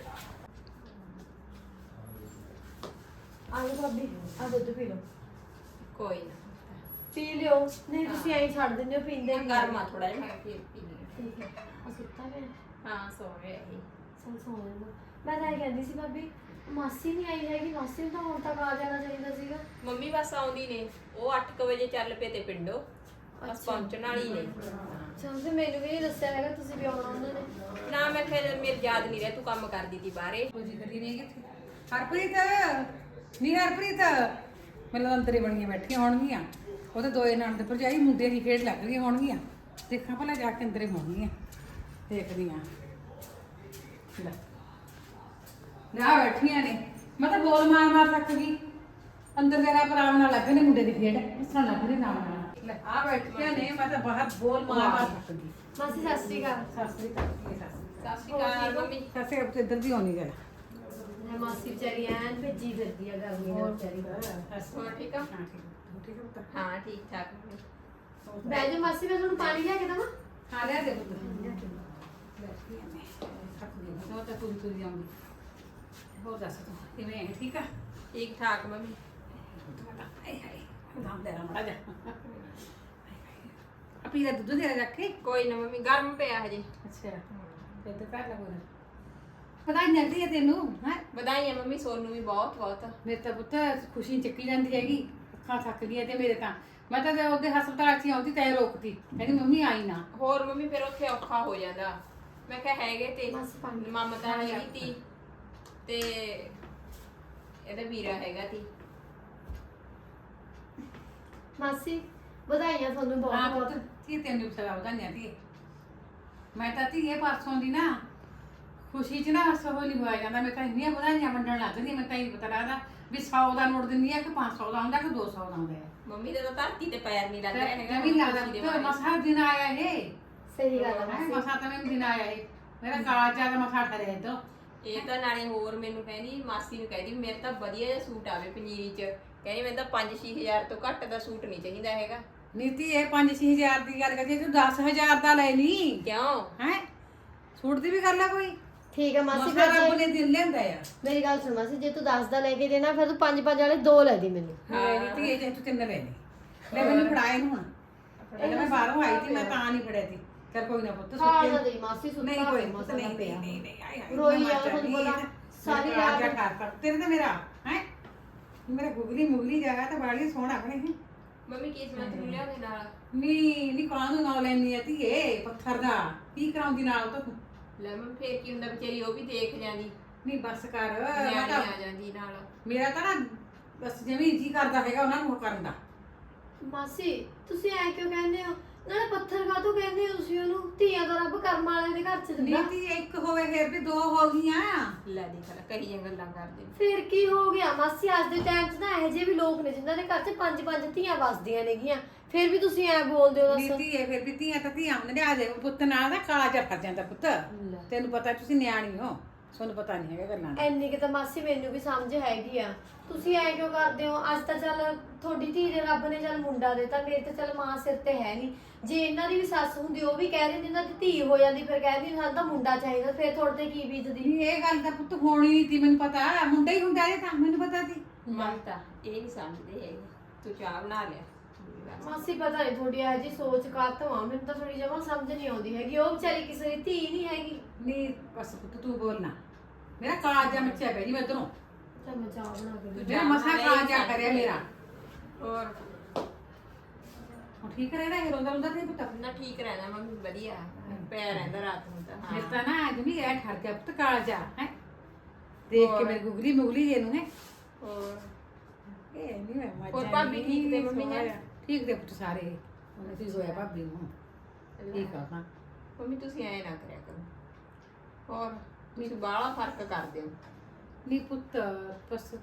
F: ਆਲੂ ਭਾਬੀ ਆ ਦੁੱਧ ਪੀ ਲਓ
E: ਕੋਈ ਨਾ
F: ਪੀ ਲਿਓ ਨਹੀਂ ਤੁਸੀਂ ਐਂ ਛੱਡ ਦਿੰਦੇ ਹੋ ਪੀਂਦੇ ਨਹੀਂ
E: ਗਰਮ ਆ ਥੋੜਾ ਜਿਹਾ ਮੈਂ ਫਿਰ ਪੀ ਲਈ
F: ਠੀਕ ਹੈ ਆ ਸੁੱਤਾ ਪਿਆ
E: ਹਾਂ ਸੋ ਰਿਹਾ ਇਹ
F: ਚਲ ਸੌਂ ਲੈਂਦਾ ਮੈਂ ਤਾਂ ਇਹ ਕਹਿੰਦੀ ਸੀ ਭਾਬੀ ਮਾਸੀ ਨਹੀਂ ਆਈ ਹੈਗੀ ਮਾਸੀ ਨੂੰ ਤਾਂ ਹੁਣ ਤੱਕ ਆ ਜਾਣਾ ਚਾਹੀਦਾ ਸੀਗਾ
E: ਮੰਮੀ ਬਸ ਆਉਂਦੀ ਨੇ ਉਹ ਅੱਠ ਕੁ ਵਜੇ ਚੱਲ ਪਏ ਤੇ ਪਿੰਡੋਂ ਬਸ ਪਹੁੰਚਣ ਵਾਲੀ ਨੇ
F: ਚਲ ਤੇ ਮੈਨੂੰ ਵੀ ਨਹੀਂ ਦੱਸਿਆ ਹੈਗਾ ਤੁਸੀਂ ਵੀ ਆਉਣਾ ਉਹਨਾਂ ਨੇ
E: ਨਾ ਮੈਂ ਫਿਰ ਮੇਰੇ ਯਾਦ ਨਹੀਂ ਰਿਹਾ ਤੂੰ ਕੰਮ ਕਰਦੀ ਤੀ ਬਾਹਰੇ
C: ਕੋਈ ਕਰੀ ਨਹੀਂ ਕਿੱਥੇ ਹਰਪ੍ਰੀਤ ਨਹੀਂ ਹਰਪ੍ਰੀਤ ਮੈਨੂੰ ਅੰਦਰੇ ਬਣੀਆਂ ਬੈਠੀਆਂ ਹੋਣਗੀਆਂ ਉਹਦੇ ਦੋਏ ਨਣਦ ਭਰਜਾਈ ਮੁੰਡੇ ਦੀ ਖੇਡ ਲੱਗ ਰਹੀ ਹੋਣਗੀਆਂ ਦੇਖਾਂ ਭਲਾ ਜਾ ਕੇ ਅੰਦਰੇ ਹੋਣਗੀਆਂ ਦੇਖਦੀ ਆ ਲੈ ਨਾ ਬੈਠੀਆਂ ਨੇ ਮੈਂ ਤਾਂ ਬੋਲ ਮਾਰ ਮਾਰ ਥੱਕ ਗਈ ਅੰਦਰ ਜਰਾ ਆਰਾਮ ਨਾਲ ਲੱਗੇ ਨੇ ਮੁੰਡੇ ਦੀ ਖੇਡ ਹੱਸਣ ਲੱਗ ਰਹੀ ਨਾਲ ਨਾਲ ਲੈ ਆ ਬੈਠੀਆਂ ਨੇ ਮੈਂ ਤਾਂ ਬਾਹਰ ਬੋਲ ਮਾਰ ਮਾਰ ਥੱਕ ਗਈ
F: ਮਾਸੀ ਸਤਿ ਸ਼੍ਰੀ ਅਕਾਲ
C: ਸਾਸਰੀ ਕਰਦੀ ਸਾਸਰੀ
E: ਸਤਿ ਸ਼੍ਰੀ ਅਕਾਲ ਮੰਮੀ
C: ਸਾਸਰੀ ਆਪ ਤੇ ਇੱਧਰ ਦੀ ਹੋਣੀ ਜਰਾ
F: ਮੈਂ ਮਾਸੀ ਵਿਚਾਰੀ ਐਨ ਭੇਜੀ ਫਿਰਦੀ ਆ ਗਰਮੀ ਨਾਲ ਵਿਚਾਰੀ
E: ਹੋਰ ਠੀਕ ਆ
C: ਹਾਂ ਠੀਕ ਠੀਕ ਹੈ ਪੁੱਤ
E: ਹਾਂ ਠੀਕ ਠਾਕ ਮੰਮੀ
F: ਬਹਿ ਜਾ ਮਾਸੀ ਮੈਂ ਤੁਹਾਨੂੰ ਪਾਣੀ ਲਿਆ ਕੇ ਦੇਵਾਂ
C: ਹਾਂ ਲੈ ਦੇ ਪੁੱਤ ਬੈਠੀ ਆ ਮੈਂ ਥੱਕ ਗਈ ਮੈਂ ਤਾਂ ਪੂਰੀ ਪੂਰੀ ਆਉਂਦੀ ਹੋਰ ਦੱਸ ਤੂੰ ਕਿਵੇਂ ਹੈ ਠੀਕ ਆ
E: ਠੀਕ ਠਾਕ ਮੰਮੀ
C: ਹਾਏ ਹਾਏ ਨਾਮ ਦੇ ਰਮੜਾ ਜਾ ਆਪੀ ਦਾ ਦੁੱਧ ਦੇ ਰੱਖ ਕੇ
E: ਕੋਈ ਨਾ ਮੰਮੀ ਗਰਮ ਪਿਆ ਹਜੇ
C: ਅੱਛਾ ਤੇ ਤੇ ਕਰ ਲਗੋ ਪਤਾ ਨਹੀਂ ਲੱਗਦੀ ਹੈ ਤੈਨੂੰ ਹੈ
E: ਵਧਾਈਆਂ ਮੰਮੀ ਸੋਨੂੰ ਵੀ ਬਹੁਤ ਬਹੁਤ
C: ਮੇਰੇ ਤਾਂ ਪੁੱਤ ਖੁਸ਼ੀ ਚੱਕੀ ਜਾਂਦੀ ਹੈਗੀ ਅੱਖਾਂ ਥੱਕ ਗਈਆਂ ਤੇ ਮੇਰੇ ਤਾਂ ਮੈਂ ਤਾਂ ਉਹਦੇ ਹਸਪਤਾਲ 'ਚ ਹੀ ਆਉਂਦੀ ਤੈਨੂੰ ਰੋਕਤੀ ਕਹਿੰਦੀ ਮੰਮੀ ਆਈ ਨਾ
E: ਹੋਰ ਮੰਮੀ ਫਿਰ ਉੱਥੇ ਔਖਾ ਹੋ ਜਾਂਦਾ ਮੈਂ ਕਿਹਾ ਹੈਗੇ ਤੇ
F: ਬਸ ਪਾਣੀ।
E: ਮਮਤਾ ਹੈਗੀ ਤੀ ਤੇ ਇਹਦਾ ਵੀਰਾ ਹੈਗਾ ਤੀ
F: ਮਾਸੀ ਵਧਾਈਆਂ ਤੁਹਾਨੂੰ ਬਹੁਤ
C: ਹਾਂ
F: ਬਹੁਤ
C: ਪੁੱਤ ਕੀ ਤੈਨੂੰ ਸਲਾਹ ਵਧਾਈਆਂ ਦੀ ਮੈਂ ਤਾਂ ਧੀਏ ਪਾਸੋਂ ਦੀ ਨਾ ਖੁਸ਼ੀ 'ਚ ਨਾ ਸੋ ਨਹੀਂ ਹੋਇਆ ਜਾਂਦਾ ਮੈਂ ਤਾਂ ਇੰਨੀਆਂ ਵਧਾਈਆਂ ਵੰਡਣ ਲੱਗ ਗਈ ਮੈਂ ਤਾਂ ਇਹ ਪਤਾ ਲੱਗਦਾ ਵੀ ਸੌ ਦਾ ਨੋਟ ਦਿੰਦੀ ਆ ਕਿ ਪੰਜ ਸੌ ਦਾ ਆਉਂਦਾ ਕਿ ਦੋ ਸੌ ਦਾ ਆਉਂਦਾ ਹੈ
E: ਮੰਮੀ ਦਾ ਤਾਂ ਧਰਤੀ ਤੇ ਪੈਰ ਨਹੀਂ ਲੱਗ ਰਿਹਾ ਹੈਗਾ
C: ਜਮੀਨ ਲੱਗਦਾ
E: ਖੁਸ਼ੀ ਦੇ
C: ਪੁੱਤ
E: ਮਾਰੇ।
C: ਮਸਾ ਦਿਨ ਆਇਆ ਇਹ
F: ਸਹੀ ਗੱਲ ਆ
C: ਹੈ
F: ਮਾਸੀ
C: ਮਸਾ ਤਾਂ ਮੈਨੂੰ ਦਿਨ ਆਇਆ ਇਹ ਮੇਰਾ ਕਾਲਾ ਚਾਹ ਦਾ ਮਸਾ ਠਰਿਆ ਇਦੋਂ
E: ਇਹ ਤਾਂ ਨਾਲੇ ਹੋਰ ਮੈਨੂੰ ਕਹਿੰਦੀ ਮਾਸੀ ਨੂੰ ਕਹਿੰਦੀ ਮੇਰੇ ਤਾਂ ਵਧੀਆ ਜਿਹਾ ਸੂਟ ਆਵੇ ਪੰਜੀਰੀ 'ਚ ਕਹਿੰਦੀ ਮੈਨੂੰ ਤਾਂ ਪੰਜ ਛੇ ਹਜ਼ਾਰ ਤੋਂ ਘੱਟ ਦਾ ਸੂਟ ਨਹੀਂ ਚਾਹੀਦਾ ਹੈਗਾ
C: ਨੀਤੀ ਇਹ ਪੰਜ ਛੇ ਹਜ਼ਾਰ ਦੀ ਗੱਲ ਕਰਦੀ ਤੂੰ ਦਸ ਹਜ਼ਾਰ ਦਾ ਲੈ ਲਈ
E: ਕਿਉਂ
C: ਹੈ ਸੂਟ ਦੀ ਵੀ ਗੱਲ ਆ ਕੋਈ
F: ਠੀਕ ਹੈ ਮਾਸੀ
C: ਮਸਾ
F: ਫਿਰ
C: ਰੱਬ
F: ਜੇ-
C: ਨੇ ਦਿਨ ਲਿਆਂਦਾ ਆ
F: ਮੇਰੀ ਗੱਲ ਸੁਣ ਮਾਸੀ ਜੇ ਤੂੰ ਦਸ ਦਾ ਲੈ ਕੇ ਦੇਣਾ ਫਿਰ ਤੂੰ ਪੰਜ ਪੰਜ ਵਾਲੇ ਦੋ ਲੈ ਦੇ ਮੈਨੂੰ
C: ਹਾਂ ਨੀਤੀ ਇਹ ਜੇ ਤੂੰ ਤਿੰਨ ਲੈ ਲਈ ਲੈ ਮੈਨੂੰ ਫੜਾਏ ਨੂੰ ਹੁਣ ਪਹਿਲਾਂ ਮੈਂ ਬਾਹਰੋਂ ਆਈ ਸੀ ਮੈਂ ਤਾਂ ਨਹੀਂ ਫੜਿਆ ਸੀ ਚਲ ਕੋਈ ਨਾ ਪੁੱਤ
F: ਖਾ
C: ਸੁੱਤੇ
F: ਨਾ ਦੇ ਮਾਸੀ ਸੁੱਤਾ
C: ਨਹੀਂ ਕੋਈ
F: ਪਿਆ,
C: ਪੁੱਤ
F: ਮਸਾਂ
C: ਨਹੀਂ
F: ਪਿਆ।
C: ਨਹੀਂ ਨਹੀਂ ਆਈ ਆਈ
F: ਰੋਈ
C: ਮੈਂ
F: ਆ,
C: ਮਰ
F: ਤੁਹਾਨੂੰ
C: ਜਾਂਦੀ
F: ਪਤਾ,
C: ਹੈ।
F: ਸਾਰੀ
C: ਮੇਰਾ
F: ਰਾਤ-
C: ਰਾਜਾ ਕਰ ਕਰ ਤੇਰੇ ਤੇ ਮੇਰਾ ਹੈ ਮੇਰਾ ਗੁਗਲੀ ਮੁਗਲੀ ਜਾਇਆ ਤਾਂ ਬੜੀ ਸੋਹਣਾ ਆਪਣੇ ਹੈ
E: ਮੰਮੀ ਕਿਸਮਤ ਨੂੰ ਲਿਆਉਂਦੇ ਨਾਲ
C: ਨੀ ਨੀ ਕਾਹਨੂੰ ਨਾ ਲੈਣੀ ਆ ਧੀਏ ਪੱਥਰ ਦਾ ਕੀ ਕਰਾਉਂਦੀ ਨਾਲ ਤਾਂ ਤੂੰ
E: ਲੈ ਮੈਂ ਫੇਰ ਕੀ ਹੁੰਦਾ ਵਿਚਾਰੀ ਉਹ ਵੀ ਦੇਖ ਜਾਂਦੀ
C: ਨਹੀਂ ਬਸ ਕਰ ਮੈਂ
E: ਨਿਆਣੀ
C: ਤਾਂ
E: ਆ ਜਾਂਦੀ ਨਾਲ
C: ਮੇਰਾ ਤਾਂ ਨਾ ਬਸ ਜਿਵੇਂ ਜੀ ਕਰਦਾ ਹੈਗਾ ਉਹਨਾਂ ਨੂੰ ਉਹ ਕਰਨ ਦਾ
F: ਮਾਸੀ ਤੁਸੀਂ ਐ ਕਿਉਂ ਕਹਿੰਦੇ ਹੋ ਨਾਲੇ ਪੱਥਰ ਕਾਹਤੋਂ ਕਹਿੰਦੇ ਹੋ ਤੁਸੀਂ ਉਹਨੂੰ ਧੀਆਂ ਦਾ ਰੱਬ ਕਰਮ ਵਾਲਿਆਂ ਦੇ ਘਰ ਚ ਦਿੰਦਾ
C: ਨੀਤੀ ਇੱਕ ਹੋਵੇ ਫਿਰ ਵੀ ਦੋ ਹੋ ਗਈਆਂ
E: ਲੈ ਦੇਖ ਲੈ ਕਹੀਆਂ ਗੱਲਾਂ ਕਰਦੇ
F: ਫਿਰ ਕੀ ਹੋ ਗਿਆ ਮਾਸੀ ਅੱਜ ਦੇ ਟਾਈਮ 'ਚ ਨਾ ਇਹੋ ਜਿਹੇ ਵੀ ਲੋਕ ਨੇ ਜਿਨ੍ਹਾਂ ਦੇ ਘਰ 'ਚ ਪੰਜ ਪੰਜ ਧੀਆਂ ਵਸਦੀਆਂ ਨੇਗੀਆਂ ਫਿਰ ਵੀ ਤੁਸੀਂ ਐ ਬੋਲਦੇ ਹੋ ਦੱਸ
C: ਨੀਤੀ ਇਹ ਫਿਰ ਵੀ ਧੀਆਂ ਤਾਂ ਧੀਆਂ ਹੁੰਦੇ ਨੇ ਆ ਦੇ ਪੁੱਤ ਨਾਲ ਦਾ ਕਾਲਾ ਜਿਹਾ ਫਰ ਜਾਂਦਾ ਪੁੱਤ ਤੈਨੂੰ ਪਤਾ ਤੁਸੀਂ ਨਿਆਣੀ ਹੋ ਤੁਹਾਨੂੰ ਪਤਾ ਨਹੀਂ ਹੈਗਾ ਗੱਲਾਂ ਦਾ
F: ਐਨੀ ਕਿ ਤਾਂ ਮਾਸੀ ਮੈਨੂੰ ਵੀ ਸਮਝ ਹੈਗੀ ਆ ਤੁਸੀਂ ਐ ਕਿਉਂ ਕਰਦੇ ਹੋ ਅੱਜ ਤਾਂ ਚੱਲ ਤੁਹਾਡੀ ਧੀ ਦੇ ਰੱਬ ਨੇ ਚੱਲ ਮੁੰਡਾ ਦਿੱਤਾ ਮੇਰੇ ਤੇ ਚੱਲ ਮਾਂ ਸਿਰ ਤੇ ਹੈ ਨਹੀਂ ਜੇ ਇਹਨਾਂ ਦੀ ਵੀ ਸੱਸ ਹੁੰਦੀ ਉਹ ਵੀ ਕਹਿ ਦਿੰਦੀ ਇਹਨਾਂ ਦੀ ਧੀ ਹੋ ਜਾਂਦੀ ਫਿਰ ਕਹਿੰਦੀ ਸਾਨੂੰ ਤਾਂ ਮੁੰਡਾ ਚਾਹੀਦਾ ਫਿਰ ਤੁਹਾਡੇ ਤੇ ਕੀ ਬੀਤਦੀ
C: ਨਹੀਂ ਇਹ ਗੱਲ ਤਾਂ ਪੁੱਤ ਹੋਣੀ ਨਹੀਂ ਤੀ ਮੈਨੂੰ ਪਤਾ ਮੁੰਡਾ ਹੀ ਹੁੰਦਾ ਇਹ ਤਾਂ ਮੈਨੂੰ ਪਤਾ ਸੀ
E: ਮਮਤਾ ਇਹ ਨਹੀਂ ਸਮਝਦੇ ਹੈਗੇ ਤੂੰ ਚਾਹ ਬਣਾ ਲਿਆ
F: ਮਾਸੀ ਪਤਾ ਨਹੀਂ ਤੁਹਾਡੀ ਇਹ ਜੀ ਸੋਚ ਕਾਤੋਂ ਆ ਮੈਨੂੰ ਤਾਂ ਥੋੜੀ ਜਮਾ ਸਮਝ ਨਹੀਂ ਆਉਂਦੀ ਹੈਗੀ ਉਹ ਵਿਚਾਰੀ ਕਿਸੇ ਦੀ ਧੀ ਨਹੀਂ ਹੈਗੀ
C: ਨਹੀਂ ਬਸ ਪੁੱਤ ਤੂੰ ਬੋਲਣਾ ਮੇਰਾ ਕਾਲਾ ਜਿਹਾ ਮੱਚਿਆ ਪਿਆ ਜੀ ਮੈਂ ਤੈਨੂੰ
F: ਚੱਲ ਮੈਂ ਚਾਹ ਬਣਾ ਕੇ
C: ਤੂੰ ਜਿਹੜਾ ਮਸਾ ਕਾਲਾ ਜਿਹਾ ਕਰਿਆ ਮੇਰਾ
E: ਹੋਰ
C: ਹੁਣ ਠੀਕ ਰਹਿਣਾ ਇਹ ਰੋਂਦਾ ਰੋਂਦਾ ਤੇ ਪੁੱਤ
E: ਨਾ ਠੀਕ ਰਹਿਣਾ ਮੰਮੀ ਵਧੀਆ ਪਿਆ ਰਹਿੰਦਾ ਰਾਤ ਨੂੰ ਤਾਂ
C: ਮੇਰੇ
E: ਹਾਂ
C: ਤਾਂ ਨਾ ਅੱਜ ਵੀ ਐ ਠਰ ਗਿਆ ਪੁੱਤ ਕਾਲਾ ਜਿਹਾ ਹੈ ਦੇਖ ਕੇ
E: ਹੋਰ।
C: ਮੇਰੀ ਗੁਗਲੀ ਮੁਗਲੀ ਜੇ ਨੂੰ ਹੈ
E: ਹੋਰ
C: ਇਹ ਨਹੀਂ ਮੈਂ ਮੱਝ
E: ਹੋਰ ਭਾਬੀ ਠੀਕ ਤੇ ਮੰਮੀ ਹੈ?
C: ਠੀਕ ਤੇ ਪੁੱਤ ਸਾਰੇ ਉਹਨੇ ਕੀ ਹੋਇਆ ਭਾਬੀ ਨੂੰ ਠੀਕ ਆ ਹਾਂ
E: ਮੰਮੀ ਤੁਸੀਂ ਐ ਨਾ ਕਰਿਆ ਕਰੋ ਹੋਰ ਤੁਸੀਂ ਬਾਹਲਾ ਫਰਕ ਕਰਦੇ ਹੋ
C: ਨਹੀਂ ਪੁੱਤ ਬਸ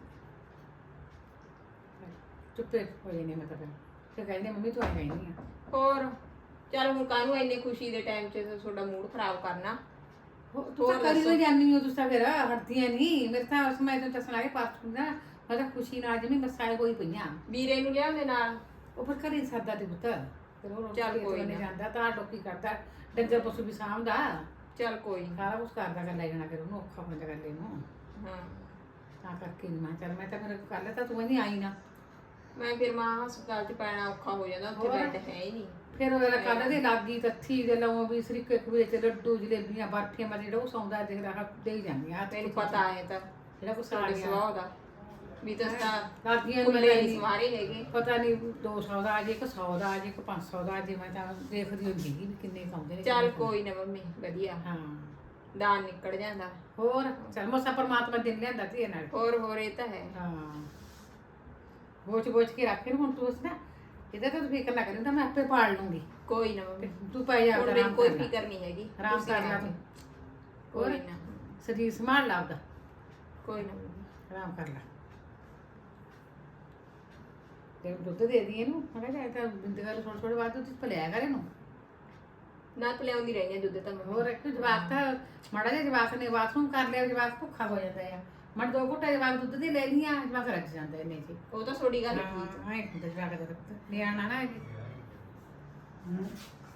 C: ਚੁੱਪੇ ਹੋ ਜਾਨੇ ਮੈਂ ਤਾਂ ਫਿਰ ਕਹਿੰਦੇ ਮੰਮੀ ਤੂੰ ਆ ਗਈ ਨਹੀਂ ਆ
E: ਹੋਰ ਚੱਲ ਹੁਣ ਕਾਹਨੂੰ ਇੰਨੀ ਖੁਸ਼ੀ ਦੇ ਟਾਈਮ 'ਚ ਤੁਹਾਡਾ ਮੂਡ ਖਰਾਬ ਕਰਨਾ
C: ਤੂੰ ਤਾਂ ਕਰੀ ਹੋਈ ਜਾਨੀ ਹੋ, ਤੁਸੀਂ ਤਾਂ ਫਿਰ ਹਟਦੀਆਂ ਨਹੀਂ। ਮੇਰੇ ਤਾਂ ਉਸ ਮੈਂ ਤੈਨੂੰ ਦੱਸਣਾ ਕਿ ਪਾਸਪੋਰਟ ਦਾ ਮੈਂ ਤਾਂ ਖੁਸ਼ੀ ਨਾਲ ਜਿਵੇਂ ਮਸਾਏ ਹੋਈ ਪਈਆਂ।
E: ਵੀਰੇ ਨੂੰ ਲਿਆਉਂਦੇ ਨਾਲ।
C: ਉਹ ਫਿਰ ਘਰੇ ਸਰਦਾ ਦੇ ਪੁੱਤ, ਫਿਰ ਉਹ
E: ਚੱਲ
C: ਰੋਟੀ
E: ਕੋਈ
C: ਨਹੀਂ
E: ਨਾ।
C: ਜਾਂਦਾ ਤਾਂ ਲੋਕੀ ਕਰਦਾ, ਡੰਗਰ ਪਸ਼ੂ ਵੀ ਸਾਂਭਦਾ,
E: ਚੱਲ ਕੋਈ ਨੀ।
C: ਸਾਰਾ ਕੁਝ ਕਰਦਾ ਕਰ ਲੈ ਜਾਣਾ, ਫਿਰ ਉਹਨੂੰ ਔਖਾ ਬੰਦਾ ਕਰ ਲੈ ਨੂੰ।
E: ਹਾਂ
C: ਤਾਂ ਕਰਕੇ ਨਹੀਂ ਮੈਂ ਚੱਲ ਮੈਂ ਤਾਂ ਫਿਰ ਕਰ ਲੈ ਤਾਂ ਤੂੰ ਨਹੀਂ ਆਈ ਨਾ।
E: ਮੈਂ ਫਿਰ ਮਾਂ ਹਸਪਤਾਲ ਚ ਪੈਣਾ ਔਖਾ ਹੋ ਜਾਂਦਾ, ਉੱਥੇ
C: ਹੋਰ?
E: ਬੈੱਡ ਹੈ ਹੀ ਨਹੀਂ।
C: ਫਿਰ ਉਹ ਕੱਲ ਦੇ ਲਾਗੀ ਤੱਥੀ ਦੇ ਲਾਉਂ ਵੀ ਸਰੀਕੇ ਕੁੜੇ ਤੇ ਲੱਡੂ ਜਲੇਬੀਆਂ ਬਰਫੀਆਂ ਮੈਂ ਜਿਹੜਾ ਉਹ ਸੌਂਦਾ ਦੇਖਦਾ ਹਾਂ ਦੇ ਹੀ ਜਾਂਦੀ ਆ।
E: ਤੈਨੂੰ ਪਤਾ ਹੈ ਤਾਂ
C: ਜਿਹੜਾ ਕੁਛ ਆ
E: ਤੁਹਾਡੇ
C: ਗਿਆ
E: ਸੁਭਾਅ ਦਾ ਵੀ ਤੁਸੀਂ ਤਾਂ
C: ਲਾਗੀਆਂ ਨੂੰ
E: ਕੁੱਲੇ
C: ਮੇਰੇ
E: ਨਹੀਂ ਸਵਾਰੇ ਹੈਗੇ।
C: ਪਤਾ ਨਹੀਂ ਦੋ ਸੌ ਦਾ ਅਜੇ ਇੱਕ ਸੌ ਦਾ ਅਜੇ ਇੱਕ ਪੰਜ ਸੌ ਦਾ ਅਜੇ ਮੈਂ ਤਾਂ ਦੇਖਦੀ ਹੁੰਦੀ ਸੀ ਵੀ ਕਿੰਨੇ ਖਾਉਂਦੇ ਨੇ।
E: ਚੱਲ ਕੋਈ ਨਾ ਮੰਮੀ, ਵਧੀਆ
C: ਹਾਂ
E: ਦਾਨ ਨਿਕਲ ਜਾਂਦਾ।
C: ਹੋਰ ਚੱਲ ਮਸਾ ਪਰਮਾਤਮਾ ਦਿਨ ਲਿਆਂਦਾ ਧੀਏ ਨਾਲ।
E: ਹੋਰ ਹੋਰ ਇਹ ਤਾਂ ਹੈ।
C: ਹਾਂ ਬੋਚ ਬੋਚ ਕੇ ਰੱਖੇ ਨੂੰ ਹੁਣ ਤੂੰ ਉਸ ਨਾ ਇਹਦਾ ਤਾਂ ਤੂੰ ਫਿਕਰ ਨਾ ਕਰੀ, ਤਾਂ ਮੈਂ ਆਪੇ ਪਾਲ ਲੂੰਗੀ।
E: ਕੋਈ ਨਾ ਮੰਮੀ,
C: ਤੂੰ ਪੈ ਜਾ
E: ਹੁਣ ਮੈਨੂੰ ਕੋਈ ਫਿਕਰ ਨਹੀਂ ਹੈਗੀ।
C: ਆਰਾਮ
E: ਤੁਸੀਂ
C: ਕਰ ਲੈ
E: ਆਓ।
C: ਤੂੰ।
E: ਕੋਈ
C: ਹੋਰ
E: ਨਾ
C: ਸਰੀਰ ਸੰਭਾਲ ਲਾ ਆਪਦਾ,
E: ਕੋਈ ਨਾ ਮੰਮੀ।
C: ਆਰਾਮ ਕਰ ਲੈ। ਤੇ ਦੁੱਧ ਦੇ ਦੀ ਇਹਨੂੰ, ਮੈਂ ਕਿਹਾ ਚਾਹੇ ਤਾਂ ਬਿੰਦ ਗੱਲ ਥੋੜੇ ਥੋੜੇ ਬਾਅਦ ਦੁੱਧ ਪਿਲਾਇਆ ਕਰ ਇਹਨੂੰ।
E: ਨਾ ਪਿਲਾਉਂਦੀ ਰਹਿੰਦੀ ਆ ਦੁੱਧ ਤਾਂ ਮੰਮੀ।
C: ਹੋਰ ਇੱਕ ਜਵਾਕ ਤਾਂ ਮਾੜਾ ਜਿਹਾ ਜਵਾਕ ਨੇ ਬਾਥਰੂਮ ਕਰ ਲਿਆ, ਜਵਾਕ ਭੁੱਖਾ ਹੋ ਜਾਂਦਾ ਆ। ਮੈਂ ਦੋ ਘੁੱਟਾ ਜਵਾਕ ਦੁੱਧ ਦੇ ਲੈ ਲਈਆਂ, ਜਵਾਕ ਰੱਜ ਜਾਂਦਾ ਇਹਨੇ ਚ।
E: ਉਹ ਤਾਂ ਤੁਹਾਡੀ ਗੱਲ ਠੀਕ
C: ਹਾਂ ਐ ਹੁੰਦਾ ਜਵਾਕ ਦਾ ਪੁੱਤ ਨਿਆਣਾ ਨਾ ਇਹ।